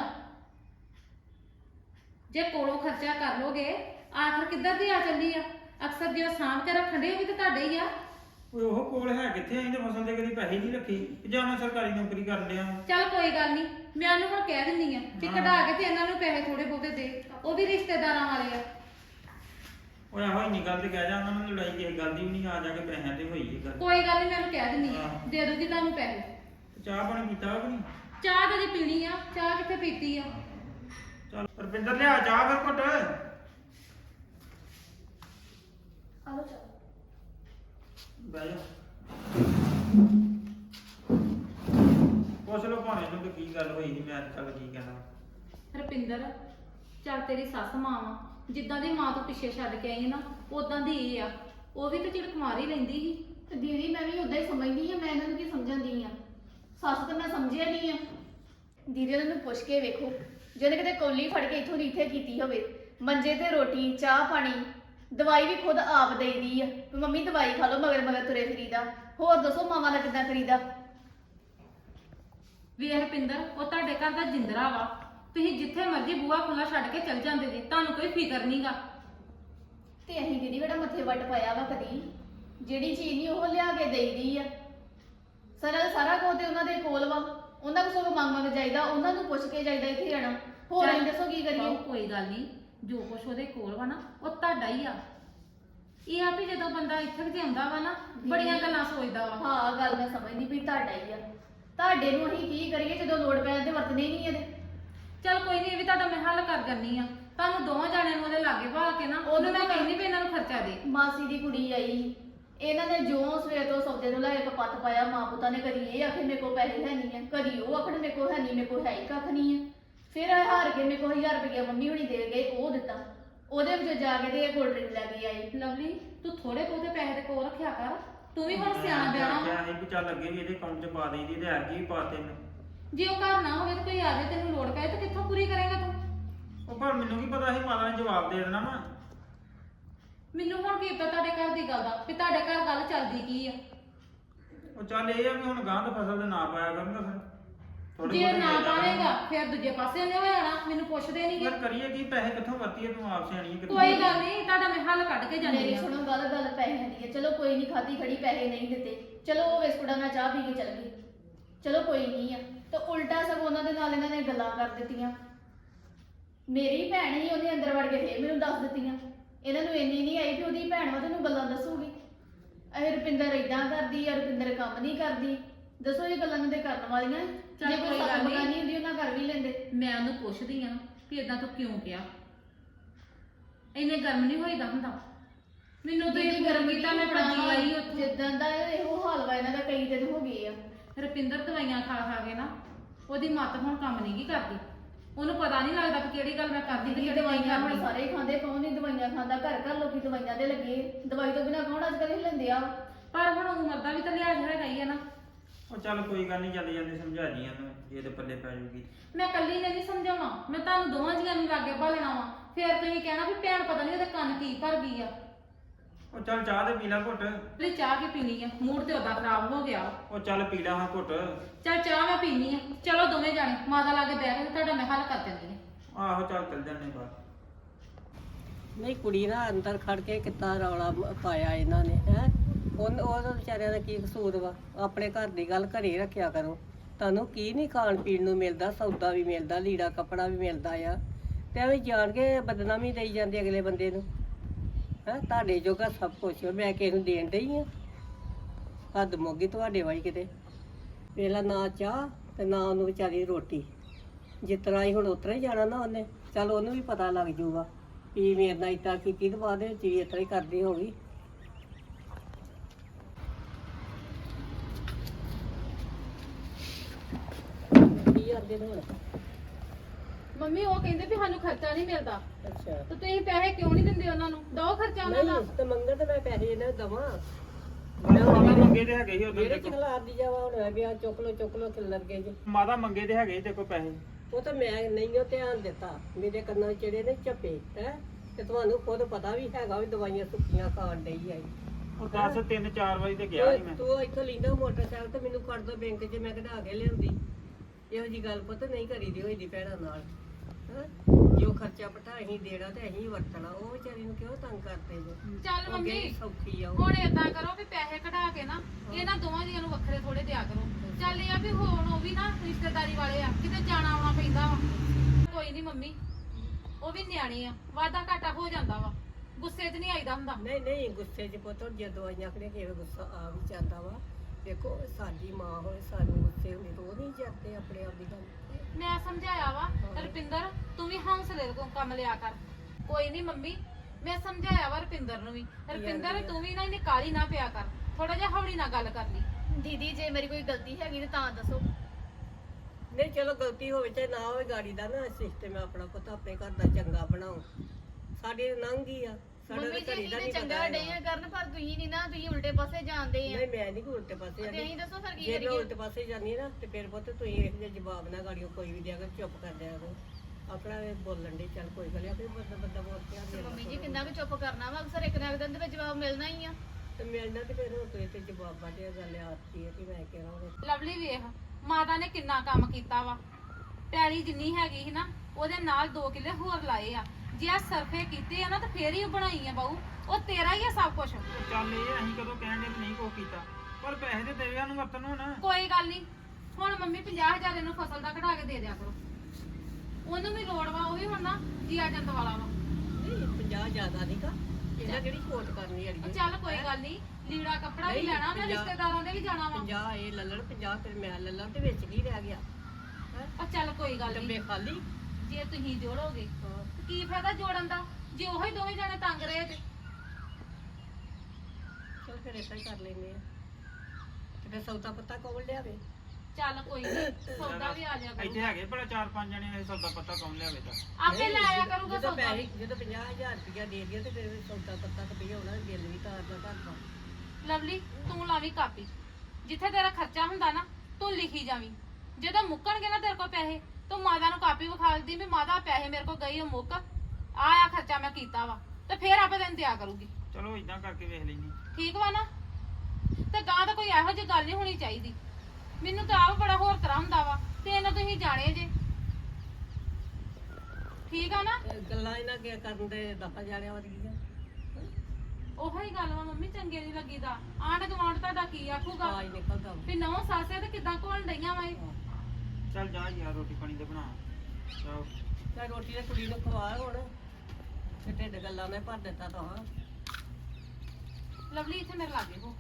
[SPEAKER 1] ਜੇ ਕੋਲੋਂ ਖਰਚਾ ਕਰ ਲੋਗੇ ਆਖਰ ਕਿੱਧਰ ਦੀ ਆ ਚੱਲੀ ਆ? ਅਕਸਰ ਜੇ ਉਹ ਸਾਂਭ ਕੇ ਰੱਖਣ ਦੇ ਉਹ ਵੀ ਤਾਂ ਤੁਹਾਡੇ ਹੀ ਆ।
[SPEAKER 4] ਓਏ ਉਹ ਕੋਲ ਹੈ ਕਿੱਥੇ? ਅਸੀਂ ਤੇ ਫਸਲ ਦੇ ਕਦੀ ਪੈਸੇ ਨਹੀਂ ਰੱਖੇ ਕਿ ਜਾਂ ਮੈਂ ਸਰਕਾਰੀ ਨੌਕਰੀ ਕਰਨ ਡਿਆ ਵਾਂ।
[SPEAKER 1] ਚੱਲ ਕੋਈ ਗੱਲ ਨਹੀਂ, ਮੈਂ ਉਹਨੂੰ ਹੁਣ ਕਹਿ ਦਿੰਦੀ ਆ ਕਿ ਕਢਾ ਕੇ ਤੇ ਇਹਨਾਂ ਨੂੰ ਪੈਸੇ ਥੋੜੇ ਬਹੁਤੇ ਦੇ। ਉਹ ਵੀ ਰਿਸ਼ਤੇਦਾਰਾਂ ਵਾਲੇ ਆ।
[SPEAKER 4] ਓਏ ਆਹੋ ਇੰਨੀ ਗੱਲ ਤੇ ਕਹਿ ਜਾ, ਉਹਨਾਂ ਨੂੰ ਲੜਾਈ ਕਿਸੇ ਗੱਲ ਦੀ ਵੀ ਨਹੀਂ, ਆ ਜਾ ਕੇ ਪੈਸਿਆਂ ਤੇ ਹੋਈ ਇਹ ਗੱਲ।
[SPEAKER 1] ਕੋਈ ਗੱਲ ਨਹੀਂ, ਮੈਂ ਉਹਨੂੰ ਕਹਿ ਦਿੰਦੀ ਆ
[SPEAKER 4] ਹਾਂ।
[SPEAKER 1] ਦੇ ਦੂਗੀ ਤੁਹਾਨੂੰ ਪੈਸੇ।
[SPEAKER 4] ਚਾਹ ਪਾਣੀ ਪੀਤਾ ਵਾ ਕਿ ਨਹੀਂ?
[SPEAKER 1] ਚਾਹ ਤਾਂ ਜੇ ਪੀਣੀ ਆ, ਚਾਹ ਕਿੱਥੇ ਪੀਤੀ ਆ?
[SPEAKER 4] ਚੱਲ ਰੁਪਿੰਦਰ ਲਿਆ ਚਾਹ ਫਿਰ ਘੁੱਟ।
[SPEAKER 6] ਆਲੋ ਚਲ
[SPEAKER 4] ਬਹਿ ਜਾ। ਪੁੱਛ ਲਓ ਭਾਵੇਂ ਨੂੰ ਕਿ ਕੀ ਗੱਲ ਹੋਈ ਸੀ, ਮੈਂ ਚੱਲ ਕੀ ਕਹਿਣਾ।
[SPEAKER 1] ਰੁਪਿੰਦਰ, ਚੱਲ ਤੇਰੀ ਸੱਸ ਮਾਂ ਵਾ, ਜਿੱਦਾਂ ਦੀ ਮਾਂ ਤੋਂ ਪਿੱਛੇ ਛੱਡ ਕੇ ਆਈ ਨਾ ਉਦਾਂ ਦੀ ਇਹ ਆ। ਉਹ ਵੀ ਤਾਂ ਝਿੜਕ ਮਾਰ ਹੀ ਲੈਂਦੀ ਸੀ।
[SPEAKER 6] ਤੇ ਦੀਦੀ ਮੈਂ ਵੀ ਉਦਾਂ ਹੀ ਸਮਝਦੀ ਆ। ਮੈਂ ਇਹਨਾਂ ਨੂੰ ਕੀ ਸਮਝਾਂਦੀ ਆ? ਸੱਸ ਤਾਂ ਮੈਂ ਸਮਝਿਆ ਨਹੀਂ ਆ। ਦੀਦੀ ਉਹਨਾਂ ਨੂੰ ਪੁੱਛ ਕੇ ਵੇਖੋ, ਜਿਹਨੇ ਕਿਤੇ ਕੋਲੀ ਫੜ ਕੇ ਇੱਥੋਂ ਦੀ ਇੱਥੇ ਕੀਤੀ ਹੋਵੇ। ਮੰਜੇ ਤੇ ਰੋਟੀ ਚਾਹ ਪਾਣੀ ਦਵਾਈ ਵੀ ਖੁਦ ਆਪ ਦੇਈਦੀ ਆ ਵੀ ਮੰਮੀ ਦਵਾਈ ਖਾ ਲਓ, ਮਗਰ ਮਗਰ ਤੁਰੇ ਫਿਰੀਦਾ। ਹੋਰ ਦੱਸੋ ਮਾਵਾਂ ਦਾ ਕਿੱਦਾਂ ਕਰੀਦਾ?
[SPEAKER 1] ਵੇਖ ਰੁਪਿੰਦਰ, ਉਹ ਤੁਹਾਡੇ ਘਰ ਦਾ ਜਿੰਦਰਾ ਵਾ। ਤੁਸੀਂ ਜਿੱਥੇ ਮਰਜ਼ੀ ਬੂਹਾ ਖੁੱਲਾ ਛੱਡ ਕੇ ਚੱਲ ਜਾਂਦੇ ਜੀ, ਤੁਹਾਨੂੰ ਕੋਈ ਫਿਕਰ ਨਹੀਂਗਾ।
[SPEAKER 6] ਤੇ ਅਸੀਂ ਦੀਦੀ ਕਿਹੜਾ ਮੱਥੇ ਵੱਟ ਪਾਇਆ ਵਾ ਕਦੀ? ਜਿਹੜੀ ਚੀਜ਼ ਨਹੀਂ ਉਹ ਲਿਆ ਕੇ ਦੇਈਦੀ ਆ। ਸਾਰਾ ਕੁਝ ਤੇ ਉਹਨਾਂ ਦੇ ਕੋਲ ਵਾ। ਉਹਨਾਂ ਕੋਲ ਸਗੋਂ ਮੰਗ ਮੰਗ ਜਾਈਦਾ, ਉਹਨਾਂ ਨੂੰ ਪੁੱਛ ਕੇ ਜਾਈਦਾ ਇੱਥੇ ਆਣਾ। ਹੋਰ ਅਸੀਂ ਦੱਸੋ ਕੀ ਕਰੀਏ?
[SPEAKER 1] ਬਾਊ, ਕੋਈ ਗੱਲ ਨਹੀਂ, ਜੋ ਕੁਛ ਉਹਦੇ ਕੋਲ ਵਾ ਨਾ ਉਹ ਤੁਹਾਡਾ ਹੀ ਆ। ਇਹ ਆ ਵੀ ਜਦੋਂ ਬੰਦਾ ਇੱਥੇ ਤੇ ਆਉਂਦਾ ਵਾ ਨਾ ਬੜੀਆਂ ਗੱਲਾਂ ਸੋਚਦਾ ਵਾ।
[SPEAKER 6] ਹਾਂ ਗੱਲ ਮੈਂ ਸਮਝਦੀ ਵੀ ਤੁਹਾਡਾ ਹੀ ਆ। ਤੁਹਾਡੇ ਨੂੰ ਅਸੀਂ ਕੀ ਕਰੀਏ ਜਦੋਂ ਲੋੜ ਪੈਣ ਤੇ ਵਰਤਨੇ ਹੀ ਨਹੀਂ ਇਹਦੇ।
[SPEAKER 1] ਚੱਲ ਕੋਈ ਨਹੀਂ, ਇਹ ਵੀ ਤੁਹਾਡਾ ਮੈਂ ਹੱਲ ਕਰ ਦਿੰਨੀ ਆ। ਤੁਹਾਨੂੰ ਦੋਵਾਂ ਜਾਣਿਆਂ ਨੂੰ ਉਹਦੇ ਲਾਗੇ ਭਾਲ ਕੇ ਨਾ ਉਹਨੂੰ ਮੈਂ ਕਹਿੰਦੀ ਵੀ ਇਹਨਾਂ ਨੂੰ ਖਰਚਾ ਦੇ।
[SPEAKER 6] ਮਾਸੀ ਦੀ ਕੁੜੀ ਆਈ, ਇਹਨਾਂ ਨੇ ਜੋ ਸਵੇਰ ਤੋਂ ਸੌਦੇ ਨੂੰ ਲੈ ਕੇ ਪੱਤ ਪਾਇਆ। ਮਾਂ ਪੁੱਤਾਂ ਨੇ ਕਦੀ ਇਹ ਆਖੇ ਮੇਰੇ ਕੋਲ ਪੈਸੇ ਹੈ ਨਹੀਂ ਆ, ਕਦੀ ਉਹ ਆਖਣ ਮੇਰੇ ਕੋਲ ਹੈ ਨਹੀਂ, ਮੇਰੇ ਕੋਲ ਹੈ ਹੀ ਕੱਖ ਨਹੀਂ ਆ। ਫਿਰ ਹਾਰ ਕੇ ਮੇਰੇ ਕੋਲ 1000 ਰੁਪਇਆ ਮੰਮੀ ਹੁਣੀ ਦੇ ਗਏ, ਉਹ ਦਿੱਤਾ। ਉਹਦੇ ਵਿੱਚ ਜਾ ਕੇ ਤੇ ਇਹ ਕੋਲਡ ਡਰਿੰਕ ਲੈ ਕੇ ਆਏ।
[SPEAKER 1] ਲਵਲੀ, ਤੂੰ ਥੋੜੇ ਬਹੁਤੇ ਪੈਸੇ ਦੇ ਕੋਲ ਰੱਖਿਆ ਕਰ। ਤੂੰ ਵੀ ਹੁਣ ਸਿਆਣਾ ਬਿਆਣਾ ਵਾ।
[SPEAKER 4] ਇਹ ਵੀ ਚੱਲ ਅੱਗੇ ਵੀ ਇਹਦੇ ਅਕਾਊਂਟ 'ਚ ਪਾ ਦੇਈਦੀ ਤੇ ਅੱਗੇ ਵੀ ਪਾ ਤੈਨੂੰ।
[SPEAKER 1] ਜੇ ਉਹ ਘਰ ਨਾ ਹੋਵੇ ਤੇ ਕੋਈ ਆ ਜਾਏ ਤੈਨੂੰ ਲੋੜ ਪਏ ਤਾਂ ਕਿੱਥੋਂ ਪੂਰੀ ਕਰੇਗਾ ਤੂੰ?
[SPEAKER 4] ਉਹ ਪਰ ਮੈਨੂੰ ਕੀ ਪਤਾ ਸੀ ਮਾਤਾ ਨੇ ਜਵਾਬ ਦੇ ਦੇਣਾ ਵਾ।
[SPEAKER 1] ਮੈਨੂੰ ਹੁਣ ਕੀ ਪਤਾ ਤੁਹਾਡੇ ਘਰ ਦੀ ਗੱਲ ਦਾ ਵੀ ਤੁਹਾਡੇ ਘਰ ਗੱਲ ਚੱਲਦੀ ਕੀ ਆ।
[SPEAKER 4] ਉਹ ਚੱਲ ਇਹ ਆ ਵੀ ਹੁਣ ਗਾਂ ਤੋਂ ਫਸਲ ਦੇ ਨਾ ਪਾਇਆ ਕਰੂੰਗਾ ਫਿਰ। ਥੋੜ੍ਹੀ
[SPEAKER 1] ਜੇ
[SPEAKER 4] ਬਹੁਤੀ
[SPEAKER 1] ਨਾ
[SPEAKER 4] ਦੇ ਦਾਂਗਾ।
[SPEAKER 1] ਪਾਵੇਂਗਾ ਫਿਰ ਦੂਜੇ ਪਾਸੇ ਉਹਨੇ ਹੋ ਜਾਣਾ, ਮੈਨੂੰ ਪੁੱਛਦੇ ਨਹੀਂਗੇ।
[SPEAKER 4] ਫਿਰ ਕਰੀਏ ਕੀ? ਪੈਸੇ ਕਿੱਥੋਂ ਵਰਤੀਏ? ਤੂੰ ਆਪ ਸਿਆਣੀ ਹੈ।
[SPEAKER 1] ਕੋਈ ਗੱਲ ਨਹੀਂ, ਤੁਹਾਡਾ ਮੈਂ ਹੱਲ ਕੱਢ ਕੇ ਜਾਂਦੀ
[SPEAKER 6] ਮੇਰੀ
[SPEAKER 1] ਆ।
[SPEAKER 6] ਸੁਣੋ ਗੱਲ ਪੈਸਿਆਂ ਦੀ ਹੈ। ਚਲੋ ਕੋਈ ਨਹੀਂ, ਖਾਦੀ ਖੜੀ ਪੈਸੇ ਨਹੀਂ ਦਿੱਤੇ। ਚਲੋ ਉਹ ਬਿਸਕੁਟਾਂ ਨਾਲ ਚਾਹ ਪੀ ਕੇ ਚੱਲ ਗਈ। ਚਲੋ ਕੋਈ ਨਹੀਂ ਆ। ਤਾਂ ਉਲਟਾ ਸਭ ਉਹਨਾਂ ਦੇ ਨਾਲ ਇਹਨਾਂ ਨੇ ਗੱਲਾਂ ਕਰ ਦਿੱਤੀਆਂ। ਮੇਰੀ ਭੈਣ ਹੀ ਉਹਨੇ ਅੰਦਰ ਵੜ ਕੇ ਫੇਰ ਮੈਨੂੰ ਦੱਸ ਦਿੱਤੀਆਂ। ਇਹਨਾਂ ਨੂੰ ਇੰਨੀ ਨਹੀਂ ਆਈ ਕਿ ਉਹਦੀ ਭੈਣ ਵਾ ਤੈਨੂੰ ਗੱਲਾਂ ਦੱਸੂਗੀ। ਇਹ ਰੁਪਿੰਦਰ ਇਦਾਂ ਕਰਦੀ ਆ, ਰੁਪਿੰਦਰ ਕੰਮ ਨਹੀਂ ਕਰਦੀ। ਦੱਸੋ ਇਹ ਗੱਲਾਂ ਇਹਨਾਂ ਦੇ ਕਰਨ ਵਾਲੀਆਂ?
[SPEAKER 1] ਚੱਲ
[SPEAKER 6] ਜੇ ਕੋਈ
[SPEAKER 1] ਕੋਈ ਗੱਲ
[SPEAKER 6] ਕੰਮ
[SPEAKER 1] ਨਹੀਂ।
[SPEAKER 6] ਨਹੀਂ ਹੁੰਦੀ ਉਹਨਾਂ ਕਰ ਵੀ ਲੈਂਦੇ।
[SPEAKER 1] ਮੈਂ ਉਹਨੂੰ ਪੁੱਛਦੀ ਆ ਕਿ ਇਦਾਂ ਤੂੰ ਕਿਉਂ ਕਿਹਾ। ਇੰਨੇ ਗਰਮ ਨਹੀਂ ਹੋਈਦਾ ਹੁੰਦਾ। ਮੈਨੂੰ ਤਾਂ ਇਹ ਗਰਮ ਕੀਤਾ, ਮੈਂ ਭੱਜੀ ਆਈ ਉੱਥੋਂ।
[SPEAKER 6] ਜਿੱਦਾਂ ਦਾ ਇਹੋ ਹਾਲ ਵਾ ਇਹਨਾਂ ਦਾ ਕਈ ਦਿਨ ਹੋ ਗਏ ਆ।
[SPEAKER 1] ਰੁਪਿੰਦਰ ਦਵਾਈਆਂ ਖਾ ਖਾ ਕੇ ਨਾ ਉਹਦੀ ਮੱਤ ਹੁਣ ਕੰਮ ਨਹੀਂ ਗੀ ਕਰਦੀ। ਉਹਨੂੰ ਪਤਾ ਨਹੀਂ ਲੱਗਦਾ ਕਿ ਕਿਹੜੀ ਗੱਲ ਮੈਂ ਕਰਦੀ ਤੇ
[SPEAKER 6] ਦੀਦੀ
[SPEAKER 1] ਕਿਹੜੀ ਨਹੀਂ
[SPEAKER 6] ਦਵਾਈਆਂ ਹੁਣ
[SPEAKER 1] ਕਰਦੀ।
[SPEAKER 6] ਸਾਰੇ ਹੀ ਖਾਂਦੇ, ਕੌਣ ਨਹੀਂ ਦਵਾਈਆਂ ਖਾਂਦਾ, ਘਰ ਘਰ ਲੋਕੀ ਦਵਾਈਆਂ ਦੇ ਲੱਗੇ, ਦਵਾਈ ਤੋਂ ਬਿਨਾਂ ਕੌਣ ਅੱਜ ਕੱਲ੍ਹ ਹੀ ਲੈਂਦੇ ਆ।
[SPEAKER 1] ਪਰ ਹੁਣ ਉਮਰ ਦਾ ਵੀ ਤਾਂ ਲਿਹਾਜ਼ ਹੈਗਾ ਹੀ ਆ ਨਾ।
[SPEAKER 4] ਉਹ ਚੱਲ ਕੋਈ ਗੱਲ ਨਹੀਂ, ਜਾਂਦੇ ਜਾਂਦੇ ਸਮਝਾ ਜੀ ਇਹਨੂੰ, ਜੇ ਤੇ ਪੱਲੇ ਪੈ ਜੂਗੀ।
[SPEAKER 1] ਮੈਂ ਇਕੱਲੀ ਨੇ ਨਹੀਂ ਸਮਝਾਉਣਾ, ਮੈਂ ਤੁਹਾਨੂੰ ਦੋਵਾਂ ਜੀਆਂ ਨੂੰ ਲਾਗੇ ਭਾਲਣਾ ਵਾ। ਫੇਰ ਤੁਸੀਂ ਕਹਿਣਾ ਵੀ ਭੈਣ ਪਤਾ ਨਹੀਂ ਉਹਦੇ ਕੰਨ ਕੀ ਭਰ ਗਈ ਆ।
[SPEAKER 4] ਉਹ ਚੱਲ ਚਾਹ ਦੇ ਪੀ ਲੈ ਘੁੱਟ।
[SPEAKER 1] ਲਈ ਚਾਹ ਕੀ ਪੀਣੀ ਆ, ਮੂਡ ਤੇ ਉਦਾਂ ਖਰਾਬ ਹੋ ਗਿਆ।
[SPEAKER 4] ਉਹ ਚੱਲ ਪੀ ਲੈ ਹਾਂ ਘੁੱਟ।
[SPEAKER 1] ਚੱਲ ਚਾਹ ਮੈਂ ਪੀਣੀ ਆ। ਚਲੋ ਦੋਵੇਂ ਜਾਣੇ ਮਾਤਾ ਲਾਗੇ ਬਹਿ ਕੇ ਤੁਹਾਡਾ ਮੈਂ ਹੱਲ ਕਰ ਦਿੰਦੀ ਆ।
[SPEAKER 4] ਆਹੋ ਚੱਲ ਚੱਲ ਜਾਂਦੇ ਬਾਹਰ।
[SPEAKER 5] ਨਹੀਂ ਕੁੜੀ ਨਾ ਅੰਦਰ ਖੜ ਕੇ ਕਿੱਦਾਂ ਰੌਲਾ ਪਾਇਆ ਇਹਨਾਂ ਨੇ ਹੈ। ਉਹ ਵਿਚਾਰਿਆਂ ਦਾ ਕੀ ਕਸੂਰ ਵਾ। ਆਪਣੇ ਘਰ ਦੀ ਗੱਲ ਘਰੇ ਰੱਖਿਆ ਕਰੋ। ਤੁਹਾਨੂੰ ਕੀ ਨਹੀਂ ਖਾਣ ਪੀਣ ਨੂੰ ਮਿਲਦਾ, ਸੌਦਾ ਵੀ ਮਿਲਦਾ, ਲੀੜਾ ਕੱਪੜਾ ਵੀ ਮਿਲਦਾ ਆ, ਤੇ ਐਵੇਂ ਜਾਣ ਕੇ ਬਦਨਾਮੀ ਦੇਈ ਜਾਂਦੇ ਅਗਲੇ ਬੰਦੇ ਨੂੰ ਹੈ। ਤੁਹਾਡੇ ਜੋਗਾ ਸਭ ਕੁਛ ਮੈਂ ਕਿਸੇ ਨੂੰ ਦੇਣ ਡਈ ਆ। ਹੱਦ ਮੋਗੀ ਤੁਹਾਡੇ ਵਾਲੀ ਕਿਤੇ। ਵੇਲਾ ਨਾ ਚਾਹ ਤੇ ਨਾ ਉਹਨੂੰ ਵਿਚਾਰੀ ਰੋਟੀ। ਜਿਸ ਤਰ੍ਹਾਂ ਹੀ ਹੁਣ ਉਤਰਾ ਹੀ ਜਾਣਾ ਨਾ ਉਹਨੇ, ਚੱਲ ਉਹਨੂੰ ਵੀ ਪਤਾ ਲੱਗ ਜੂਗਾ ਵੀ ਮੇਰੇ ਨਾਲ ਇੱਦਾਂ ਕੀਤੀ ਤੇ ਬਾਅਦ ਵਿੱਚ ਵੀ ਇਸ ਤਰ੍ਹਾਂ ਹੀ ਕਰਦੀ ਹੋਗੀ। ਕੀ ਆਂਦੇ ਨੇ ਹੁਣ?
[SPEAKER 1] ਮੰਮੀ ਉਹ ਕਹਿੰਦੇ ਵੀ ਸਾਨੂੰ ਖਰਚਾ ਨਹੀਂ ਮਿਲਦਾ,
[SPEAKER 5] ਅੱਛਾ
[SPEAKER 1] ਤੇ ਤੁਸੀਂ ਪੈਸੇ ਕਿਉਂ ਨਹੀਂ ਦਿੰਦੇ ਉਹਨਾਂ ਨੂੰ? ਦੋ ਖਰਚਾ ਉਹਨਾਂ ਦਾ।
[SPEAKER 5] ਨਹੀਂ ਤੇ ਮੰਗਣ ਤੇ ਮੈਂ ਪੈਸੇ ਇਹਨਾਂ ਨੂੰ ਦਵਾਂ।
[SPEAKER 4] ਮਾਤਾ ਮੰਗੇ ਤੇ ਹੈਗੇ ਸੀ ਉਦੋਂ
[SPEAKER 5] ਮੇਰੇ
[SPEAKER 4] ਤੇ
[SPEAKER 5] ਚ ਖਲਾਰ ਦੀ ਜਾਵਾ ਹੁਣ ਹੈ ਵੀ ਆ ਚੁੱਕ ਲੋ ਖਿੱਲਰ ਗਏ ਜੀ।
[SPEAKER 4] ਮਾਤਾ ਮੰਗੇ ਤੇ ਹੈਗੇ ਸੀ ਤੇ ਕੋਈ ਪੈਸੇ।
[SPEAKER 5] ਉਹ ਤਾਂ ਮੈਂ ਨਹੀਂ ਉਹ ਧਿਆਨ ਦਿੱਤਾ। ਮੇਰੇ ਕੰਨਾਂ 'ਚ ਜਿਹੜੇ ਨੇ ਝੱਪੇ ਹੈ, ਤੇ ਤੁਹਾਨੂੰ ਖੁਦ ਪਤਾ ਵੀ ਹੈਗਾ ਵੀ ਦਵਾਈਆਂ ਸੁੱਕੀਆਂ ਖਾਣ ਡਈ ਆਈ।
[SPEAKER 4] ਉਹ 10 3-4 ਵਜੇ ਤੇ ਗਿਆ ਸੀ ਮੈਂ।
[SPEAKER 5] ਤੂੰ ਇੱਥੋਂ ਲੈਂਦਾ ਮੋਟਰਸਾਈਕਲ ਤੇ ਮੈਨੂੰ ਕੱਢ ਦੋ ਬੈਂਕ 'ਚ, ਮੈਂ ਕਢਾ ਕੇ ਲਿਆਉਂਦੀ। ਇਹੋ ਜੀ ਗੱਲ ਪੁੱਤ ਨਹੀਂ ਕਰੀਦੀ ਹੋਈ ਦੀ ਭੈਣਾਂ ਨਾਲ ਹੈਂ। ਜੋ ਖਰਚਾ ਪਟਾ ਅਸੀਂ ਦੇਣਾ ਤੇ ਅਸੀਂ ਵਰਤਣਾ। ਉਹ ਵਿਚਾਰੀ ਨੂੰ ਕਿਉਂ ਤੰਗ ਕਰਦੇ ਜੋ?
[SPEAKER 1] ਚੱਲ
[SPEAKER 5] ਉਹ
[SPEAKER 1] ਮੰਮੀ
[SPEAKER 5] ਕਿਹੜੀ ਸੌਖੀ ਆ ਉਹ।
[SPEAKER 1] ਹੁਣ ਏਦਾਂ ਕਰੋ ਵੀ ਪੈਸੇ ਕਢਾ ਕੇ ਨਾ ਇਹਨਾਂ ਦੋਵਾਂ ਜੀਆਂ ਨੂੰ ਵੱਖਰੇ ਥੋੜੇ ਦਿਆ ਕਰੋ। ਚੱਲ ਇਹ ਆ ਵੀ ਹੁਣ ਉਹ ਵੀ ਨਾ ਰਿਸ਼ਤੇਦਾਰੀ ਵਾਲੇ ਆ, ਕਿਤੇ ਜਾਣਾ ਆਉਣਾ ਪੈਂਦਾ ਵਾ। ਕੋਈ ਨਹੀਂ ਮੰਮੀ, ਉਹ ਵੀ ਨਿਆਣੇ ਆ, ਵਾਧਾ ਘਾਟਾ ਹੋ ਜਾਂਦਾ ਵਾ, ਗੁੱਸੇ 'ਚ ਨਹੀਂ ਆਈਦਾ ਹੁੰਦਾ।
[SPEAKER 5] ਨਹੀਂ ਨਹੀਂ ਗੁੱਸੇ 'ਚ ਪੁੱਤ ਜੇ ਦਵਾਈਆਂ ਖੜੇ ਕਿਵੇਂ ਗੁੱਸਾ ਆ ਵੀ ਜਾਂਦਾ ਵਾ। ਦੇਖੋ ਸਾਡੀ ਮਾਂ ਹੋਏ, ਸਾਨੂੰ ਗੁੱਸੇ ਹੁੰਦੇ ਤਾਂ ਉਹ ਨਹੀਂ ਜਾਂਦੇ ਆਪਣੇ ਆਪ ਦੀ ਗੱਲ।
[SPEAKER 1] ਮੈਂ ਸਮਝਾਇਆ ਵਾ ਰੁਪਿੰਦਰ, ਤੂੰ ਵੀ ਹੌਸਲੇ ਨਾਲ ਕੰਮ ਲਿਆ ਕਰ। ਕੋਈ ਨਹੀਂ ਮੰਮੀ, ਮੈਂ ਸਮਝਾਇਆ ਵਾ ਰੁਪਿੰਦਰ ਨੂੰ ਵੀ। ਰੁਪਿੰਦਰ ਤੂੰ ਵੀ ਨਾ ਇਹਨੇ ਕਾਲੀ ਨਾ ਪਿਆ ਕਰ, ਥੋੜਾ ਜਿਹਾ ਹੌਲੀ ਨਾਲ ਗੱਲ ਕਰ ਲਈ।
[SPEAKER 6] ਦੀਦੀ ਜੇ ਮੇਰੀ ਕੋਈ ਗਲਤੀ ਹੈਗੀ ਤੇ ਤਾਂ ਦੱਸੋ।
[SPEAKER 5] ਨਹੀਂ ਚਲੋ ਗਲਤੀ ਹੋਵੇ ਚਾਹੇ ਨਾ ਹੋਵੇ, ਗਾੜੀ ਦਾ ਨਾ ਸਿਸਟਮ ਆਪਣਾ ਪੁੱਤ ਆਪਣੇ ਘਰ ਦਾ ਚੰਗਾ ਬਣਾਓ। ਸਾਡੇ ਨੰਗੀ ਆ, ਸਾਡਾ
[SPEAKER 6] ਮੰਮੀ
[SPEAKER 5] ਤਾਂ
[SPEAKER 6] ਜੀ
[SPEAKER 5] ਘੜੀ ਦਾ
[SPEAKER 6] ਇਹਨੇ
[SPEAKER 5] ਨਹੀਂ
[SPEAKER 6] ਚੰਗਾ
[SPEAKER 5] ਪਤਾ
[SPEAKER 6] ਡਈਆਂ ਕਰਨ, ਪਰ ਤੁਸੀਂ ਨਹੀਂ ਨਾ, ਤੁਸੀਂ ਉਲਟੇ ਪਾਸੇ ਜਾਂਦੇ ਆ।
[SPEAKER 5] ਨਹੀਂ ਮੈਂ ਨਹੀਂ ਉਲਟੇ ਪਾਸੇ
[SPEAKER 6] ਤੇ
[SPEAKER 5] ਜਾਂਦੀ।
[SPEAKER 6] ਅਸੀਂ ਦੱਸੋ ਫਿਰ ਕੀ
[SPEAKER 5] ਜੇ ਮੈਂ
[SPEAKER 6] ਕਰੀਏ?
[SPEAKER 5] ਉਲਟੇ ਪਾਸੇ ਜਾਂਦੀ ਨਾ ਤੇ ਫਿਰ ਪੁੱਤ ਤੁਸੀਂ ਇਹੋ ਜਿਹੇ ਜਵਾਬ ਨਾ ਗਾੜੀਓ ਕੋਈ ਵੀ ਦਿਆ ਕਰ, ਚੁੱਪ ਕਰ ਦਿਆ ਕਰੋ। ਆਪਣਾ ਇਹ ਬੋਲਣ ਦੇ ਚੱਲ ਕੋਈ ਗੱਲ ਨਹੀਂ, ਆਪੇ ਬੰਦਾ ਬੋਲ ਕੇ
[SPEAKER 6] ਤੇ ਮੰਮੀ ਜੀ ਕਿੰਨਾ ਕੁ ਚੁੱਪ ਕਰਨਾ ਵਾ, ਅਕਸਰ ਇੱਕ ਨਾ ਇੱਕ ਦਿਨ ਦੇ ਵਿੱਚ ਜਵਾਬ ਮਿਲਣਾ ਹੀ ਆ।
[SPEAKER 5] ਤੇ ਮਿਲਣਾ ਤੇ ਫਿਰ ਹੁਣ ਤੁਸੀਂ ਤੇ ਜਵਾਬ ਬਾਟਿਆ ਗੱਲ ਆਤੀ ਹੈ ਕਿ ਮੈਂ ਕਿਹਾ
[SPEAKER 1] ਲਵਲੀ ਵੇਖ, ਮਾਤਾ ਨੇ ਕਿੰਨਾ ਕੰਮ ਕੀਤਾ ਵਾ। ਪੈਲੀ ਜਿੰਨੀ ਹੈਗੀ ਸੀ ਨਾ, ਉਹਦੇ ਨਾਲ 2 ਕਿੱਲੇ ਹੋਰ ਲਾਏ ਆ। ਜੇ ਆ ਸਰਫੇ ਕੀਤੇ ਆ ਨਾ ਤਾਂ ਫੇਰ ਹੀ ਉਹ ਬਣਾਈ ਆ ਬਾਊ। ਉਹ ਤੇਰਾ ਹੀ ਆ ਸਭ ਕੁਝ।
[SPEAKER 4] ਚੱਲ ਇਹ ਅਸੀਂ ਕਦੋਂ ਕਹਿਣ ਦੇ ਨਹੀਂ ਕੋ ਕੀਤਾ, ਪਰ ਪੈਸੇ ਤੇ ਦੇਵੇ ਸਾਨੂੰ ਵਰਤਨ ਨੂੰ ਨਾ।
[SPEAKER 1] ਕੋਈ ਗੱਲ ਨਹੀਂ, ਹੁਣ ਮੰਮੀ 50,000 ਇਹਨੂੰ ਫਸਲ ਦਾ ਕਢਾ ਕੇ ਦੇ ਦਿਆ ਕਰੋ। ਉਹਨੂੰ ਵੀ ਲੋੜ ਵਾ, ਉਹ ਵੀ ਹੁਣ ਨਾ ਜੀਆ ਜੰਦ ਵਾਲਾ ਵਾ।
[SPEAKER 5] ਨਹੀਂ 50 ਜ਼ਿਆਦਾ ਨਹੀਂ ਕਾ, ਇਹਨਾਂ ਕਿਹੜੀ ਕੋਟ ਕਰਨੀ ਅੜੀਏ।
[SPEAKER 1] ਚੱਲ ਕੋਈ ਗੱਲ ਨਹੀਂ, ਲੀੜਾ ਕੱਪੜਾ ਵੀ
[SPEAKER 5] ਨਹੀਂ,
[SPEAKER 1] ਲੈਣਾ, ਉਹਨੇ
[SPEAKER 5] 50
[SPEAKER 1] ਰਿਸ਼ਤੇਦਾਰਾਂ ਦੇ ਵੀ ਜਾਣਾ ਵਾ।
[SPEAKER 5] 50 ਇਹ ਲੱਲਣ, 50 ਫਿਰ ਮੈਂ ਲੱਲਾਂ ਤੇ ਵਿੱਚ ਕੀ ਰਹਿ ਗਿਆ ਹੈ।
[SPEAKER 1] ਉਹ ਚੱਲ ਕੋਈ ਗੱਲ
[SPEAKER 5] ਡੱਬੇ
[SPEAKER 1] ਨਹੀਂ,
[SPEAKER 5] ਖਾਲੀ।
[SPEAKER 1] ਜੇ ਤੁਸੀਂ ਜੋੜੋਗੇ
[SPEAKER 5] ਹਾਂ
[SPEAKER 1] ਕੀ ਫਾਇਦਾ ਜੋੜਨ ਦਾ, ਜੇ ਉਹੀ ਦੋਵੇਂ ਜਾਣੇ ਤੰਗ ਰਹੇ ਤੇ।
[SPEAKER 5] ਚਲ ਫਿਰ ਏਦਾਂ ਹੀ ਕਰ ਲੈਂਦੇ ਆ। ਤੇ ਫਿਰ ਸੌਦਾ ਪੱਤਾ ਕੌਣ ਲਿਆਵੇ?
[SPEAKER 1] ਚੱਲ ਕੋਈ ਨਹੀਂ, ਸੌਦਾ ਵੀ ਆ ਜਾ
[SPEAKER 4] ਇੱਥੇ
[SPEAKER 1] ਕਰੂਗਾ,
[SPEAKER 4] ਹੈਗੇ ਭਲਾ 4-5 ਜਣੇ ਨੇ, ਸੌਦਾ ਪੱਤਾ ਕੌਣ ਲਿਆਵੇ ਤਾਂ।
[SPEAKER 1] ਆਪੇ ਲੈ ਆਇਆ ਕਰੂਗਾ
[SPEAKER 5] ਜਦੋਂ
[SPEAKER 1] ਸੌਦਾ।
[SPEAKER 5] ਪੈਸੇ ਜਦੋਂ 50,000 ਰੁਪਇਆ ਦੇ ਦਿਆ ਤੇ ਫਿਰ ਸੌਦਾ ਪੱਤਾ ਤਾਂ ਪਈ ਹੋਣਾ, ਬਿੱਲ ਵੀ ਤਾਰਦਾ ਘਰ ਦਾ।
[SPEAKER 1] ਲਵਲੀ ਤੂੰ ਲਾਵੀਂ ਕਾਪੀ, ਜਿੱਥੇ ਤੇਰਾ ਖਰਚਾ ਹੁੰਦਾ ਨਾ ਤੂੰ ਲਿਖੀ ਜਾਵੀਂ। ਜਦੋਂ ਮੁੱਕਣਗੇ ਨਾ ਤੇਰੇ ਕੋਲ ਪੈਸੇ, ਤੂੰ ਮਾਤਾ ਨੂੰ ਕਾਪੀ ਵਿਖਾ ਦਿੰਦੀ ਵੀ ਮਾਤਾ ਪੈਸੇ ਮੇਰੇ ਕੋਲ ਗਈ ਉਹ ਮੁੱਕ, ਆਹ ਖਰਚਾ ਮੈਂ ਕੀਤਾ ਵਾ, ਤੇ ਫੇਰ ਆਪੇ ਤੈਨੂੰ ਦਿਆ ਕਰੂਗੀ।
[SPEAKER 4] ਚਲੋ ਇਦਾਂ ਕਰਕੇ ਵੇਖ ਲੈਂਦੇ।
[SPEAKER 1] ਠੀਕ ਵਾ ਨਾ? ਤੇ ਗਾਂ ਤਾਂ ਕੋਈ ਇਹੋ ਜਿਹੀ ਗੱਲ ਨਹੀਂ ਹੋਣੀ ਚਾਹੀਦੀ। ਮੈਨੂੰ ਤਾਂ ਆਪ ਬੜਾ ਹੋਰ ਤਰ੍ਹਾਂ ਹੁੰਦਾ ਵਾ, ਤੇ ਇਹਨਾਂ ਤੁਸੀਂ ਜਾਣੇ ਜੇ। ਠੀਕ ਆ ਨਾ?
[SPEAKER 5] ਇਹ ਗੱਲਾਂ ਇਹਨਾਂ ਕੇ ਕਰਨ ਦੇ 10 ਜਾਣਿਆਂ ਵਰਗੀਆਂ।
[SPEAKER 1] ਉਹੋ ਹੀ ਗੱਲ ਵਾ ਮੰਮੀ, ਚੰਗੇ ਨਹੀਂ ਲੱਗੀਦਾ। ਆਂਢ ਗੁਆਂਢ ਤੁਹਾਡਾ ਕੀ ਆਖੂਗਾ
[SPEAKER 5] ਆਜ ਨਿਕਲਦਾ ਵਾ।
[SPEAKER 1] ਵੀ ਨੌ ਸਾਸੇ ਤੇ ਕਿਦਾਂ ਘੋਲ ਡਈਆਂ ਵਾ ਇਹ।
[SPEAKER 4] ਚੱਲ ਜਾ ਯਾਰ, ਰੋਟੀ ਪਾਣੀ ਤੇ ਬਣਾ। ਚਲੋ
[SPEAKER 5] ਤੇ ਰੋਟੀ ਤੇ ਕੁੜੀ ਨੂੰ ਖਵਾ ਹੁਣ, ਤੇ ਢਿੱਡ ਗੱਲਾਂ ਨੇ ਭਰ ਦਿੱਤਾ ਤਾਂ।
[SPEAKER 1] ਲਵਲੀ ਇੱਥੇ ਮੇਰੇ ਲਾਗੇ ਹੋ।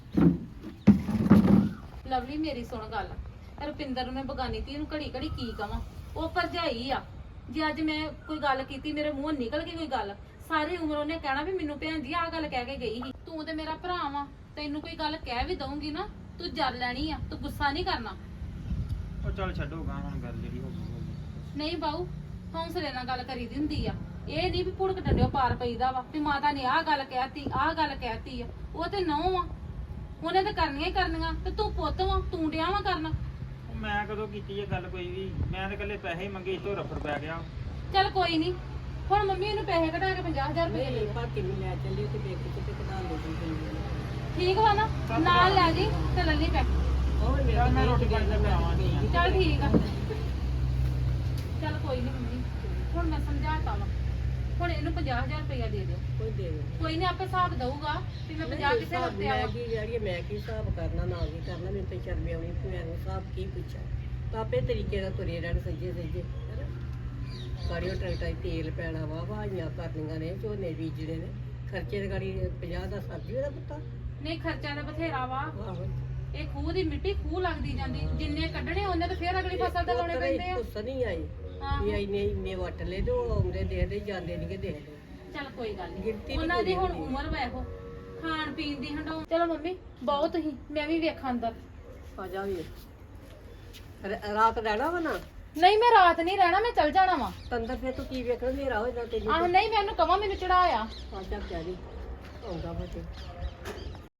[SPEAKER 1] ਲਵਲੀ ਮੇਰੀ ਸੁਣ ਗੱਲ, ਰੁਪਿੰਦਰ ਨੂੰ ਮੈਂ ਬਗਾਨੀ ਤੀ ਨੂੰ ਘੜੀ ਘੜੀ ਕੀ ਕਵਾਂ? ਉਹ ਭਰਜਾਈ ਆ, ਜੇ ਅੱਜ ਮੈਂ ਕੋਈ ਗੱਲ ਕੀਤੀ ਮੇਰੇ ਮੂੰਹੋਂ ਨਿਕਲ ਗਈ ਕੋਈ ਗੱਲ, ਸਾਰੀ ਉਮਰ ਉਹਨੇ ਕਹਿਣਾ ਵੀ ਮੈਨੂੰ ਭੈਣ ਜੀ ਆਹ ਗੱਲ ਕਹਿ ਕੇ ਗਈ ਸੀ। ਤੂੰ ਤੇ ਮੇਰਾ ਭਰਾ ਵਾ, ਤੈਨੂੰ ਕੋਈ ਗੱਲ ਕਹਿ ਵੀ ਦਊਂਗੀ ਨਾ ਤੂੰ ਜਰ ਲੈਣੀ ਆ, ਤੂੰ ਗੁੱਸਾ ਨਹੀਂ ਕਰਨਾ।
[SPEAKER 4] ਉਹ ਚੱਲ ਛੱਡੋਗਾ ਹੁਣ ਗੱਲ ਜਿਹੜੀ ਹੋ ਗਈ ਹੋ ਗਈ।
[SPEAKER 1] ਨਹੀਂ ਬਾਊ, ਹੌਂਸਲੇ ਨਾਲ ਗੱਲ ਕਰੀਦੀ ਹੁੰਦੀ ਆ। ਇਹ ਨਹੀਂ ਵੀ ਭੁੜਕ ਡੰਡਿਓ ਪਾਰ ਪਈਦਾ ਵਾ ਵੀ ਮਾਤਾ ਨੇ ਆਹ ਗੱਲ ਕਹਿਤੀ ਆਹ ਗੱਲ ਕਹਿਤੀ ਆ। ਉਹ ਤੇ ਨਹੁੰ ਆ, ਉਹਨੇ ਤਾਂ ਕਰਨੀਆਂ ਹੀ ਕਰਨੀਆਂ, ਤੇ ਤੂੰ ਪੁੱਤ ਵਾ, ਤੂੰ ਡਿਆ ਵਾ ਕਰਨ।
[SPEAKER 4] ਉਹ ਮੈਂ ਕਦੋਂ ਕੀਤੀ ਇਹ ਗੱਲ ਕੋਈ ਵੀ, ਮੈਂ ਤਾਂ ਇਕੱਲੇ ਪੈਸੇ ਹੀ ਮੰਗੇ, ਇਸ ਤੋਂ ਰਫੜ ਪੈ ਗਿਆ।
[SPEAKER 1] ਚੱਲ ਕੋਈ ਨਹੀਂ, ਹੁਣ ਮੰਮੀ ਇਹਨੂੰ ਪੈਸੇ ਕਢਾ ਕੇ 50,000 ਰੁਪਏ
[SPEAKER 5] ਨਹੀਂ
[SPEAKER 1] ਦੇ।
[SPEAKER 5] ਭਾਤੀ ਨੂੰ ਲੈ ਚੱਲੀ ਤੇ ਬੇਕ ਤੇ ਕਢਾ ਲਓ ਜੀ।
[SPEAKER 1] ਠੀਕ ਵਾ ਨਾ, ਨਾਲ ਲੈ ਜੀ ਤੇ ਲੱਲੀ ਪੈ।
[SPEAKER 5] ਹੋਰ ਮੇਰਾ
[SPEAKER 4] ਮੈਂ ਰੋਟੀ ਪਾਣੀ ਦਾ ਬਣਾਵਾਂਗੀ।
[SPEAKER 1] ਚੱਲ ਠੀਕ ਆ, ਚੱਲ ਕੋਈ ਨਹੀਂ ਮੰਮੀ, ਹੁਣ ਮੈਂ ਸਮਝਾਤਾ ਵਾ। ਹੁਣ ਇਹਨੂੰ 50,000 ਰੁਪਇਆ ਦੇ ਦਿਓ।
[SPEAKER 5] ਕੋਈ ਦੇ ਦੇ
[SPEAKER 1] ਕੋਈ ਨਹੀਂ, ਆਪੇ ਹਿਸਾਬ ਦਊਗਾ ਵੀ ਮੈਂ 50 ਕਿਸੇ ਹਫ਼ਤੇ ਆਇਆ।
[SPEAKER 5] ਮੈਂ ਕੀ ਜਿਹੜੀ ਮੈਂ ਕੀ ਹਿਸਾਬ ਕਰਨਾ ਨਾ ਕੀ ਕਰਨਾ, ਮੈਨੂੰ ਤਾਂ ਸ਼ਰਮ ਆਉਣੀ ਕਿ ਮੈਂ ਹਿਸਾਬ ਕੀ ਪੁੱਛਾਂ। ਤਾਂ ਆਪੇ ਤਰੀਕੇ ਨਾਲ ਤੁਰੇ ਰਹਿਣ ਸੱਜੇ ਸੱਜੇ ਗਾੜੀਓ ਟਰੈਕਟਰ 'ਚ ਤੇਲ ਪੈਣਾ ਵਾ, ਵਾਹੀਆਂ ਕਰਨੀਆਂ ਨੇ, ਝੋਨੇ ਬੀਜਣੇ ਨੇ, ਖਰਚੇ ਦੀ ਗਾੜੀ 50 ਦਾ ਸਬਜ਼ੀ ਦਾ ਪੁੱਤਾ।
[SPEAKER 1] ਨਹੀਂ ਖਰਚਾ ਤਾਂ ਬਥੇਰਾ ਵਾ।
[SPEAKER 5] ਆਹੋ
[SPEAKER 1] ਇਹ ਖੂਹ ਦੀ ਮਿੱਟੀ ਖੂਹ ਲੱਗਦੀ ਜਾਂਦੀ, ਜਿੰਨੇ ਕੱਢਣੇ ਉਹਨੇ ਤਾਂ ਫੇਰ ਅਗਲੀ ਫਸਲ ਤੇ ਲਾਉਣੇ ਪੈਂਦੇ ਆ।
[SPEAKER 5] ਕੁਛ ਨਹੀਂ ਆਈ
[SPEAKER 1] ਹਾਂ।
[SPEAKER 5] ਵੀ ਇੰਨੇ ਵੱਟ ਲੈ ਤੇ ਉਹ ਆਉਂਦੇ ਦੇਖਦੇ ਜਾਂਦੇ ਨਹੀਂ ਕਿ ਦੇਖਦੇ।
[SPEAKER 1] ਚੱਲ ਕੋਈ ਗੱਲ
[SPEAKER 5] ਗਿਣਤੀ
[SPEAKER 1] ਨਹੀਂ,
[SPEAKER 5] ਨੀ
[SPEAKER 1] ਉਹਨਾਂ ਦੀ ਹੁਣ
[SPEAKER 5] ਪੂਰੀ ਹੁੰਦੀ।
[SPEAKER 1] ਉਮਰ ਵਾ ਇਹੋ, ਖਾਣ ਪੀਣ ਦੀ ਹੰਡਾਉ। ਚਲੋ ਮੰਮੀ ਬਹੁਤ ਹੀ, ਮੈਂ ਵੀ ਵੇਖਾਂ ਅੰਦਰ।
[SPEAKER 5] ਆ ਜਾ ਵੀ ਰਾਤ ਰਹਿਣਾ ਵਾ ਨਾ
[SPEAKER 1] ਨਹੀਂ ਮੈਂ ਰਾਤ ਨਹੀਂ ਰਹਿਣਾ, ਮੈਂ ਚੱਲ ਜਾਣਾ ਵਾ।
[SPEAKER 5] ਤੰਦਰ ਫਿਰ ਤੂੰ ਕੀ ਵੇਖਣਾ, ਹਨੇਰਾ ਹੋ ਜਾਂਦਾ ਤੈਨੂੰ।
[SPEAKER 1] ਆਹ ਨਹੀਂ, ਮੈਂ ਉਹਨੂੰ ਕਵਾਂ ਮੈਨੂੰ ਚੜਾਇਆ।
[SPEAKER 5] ਆ ਜਾ ਪਿਆ ਜੀ ਆਉਂਦਾ ਵਾ ਤੇ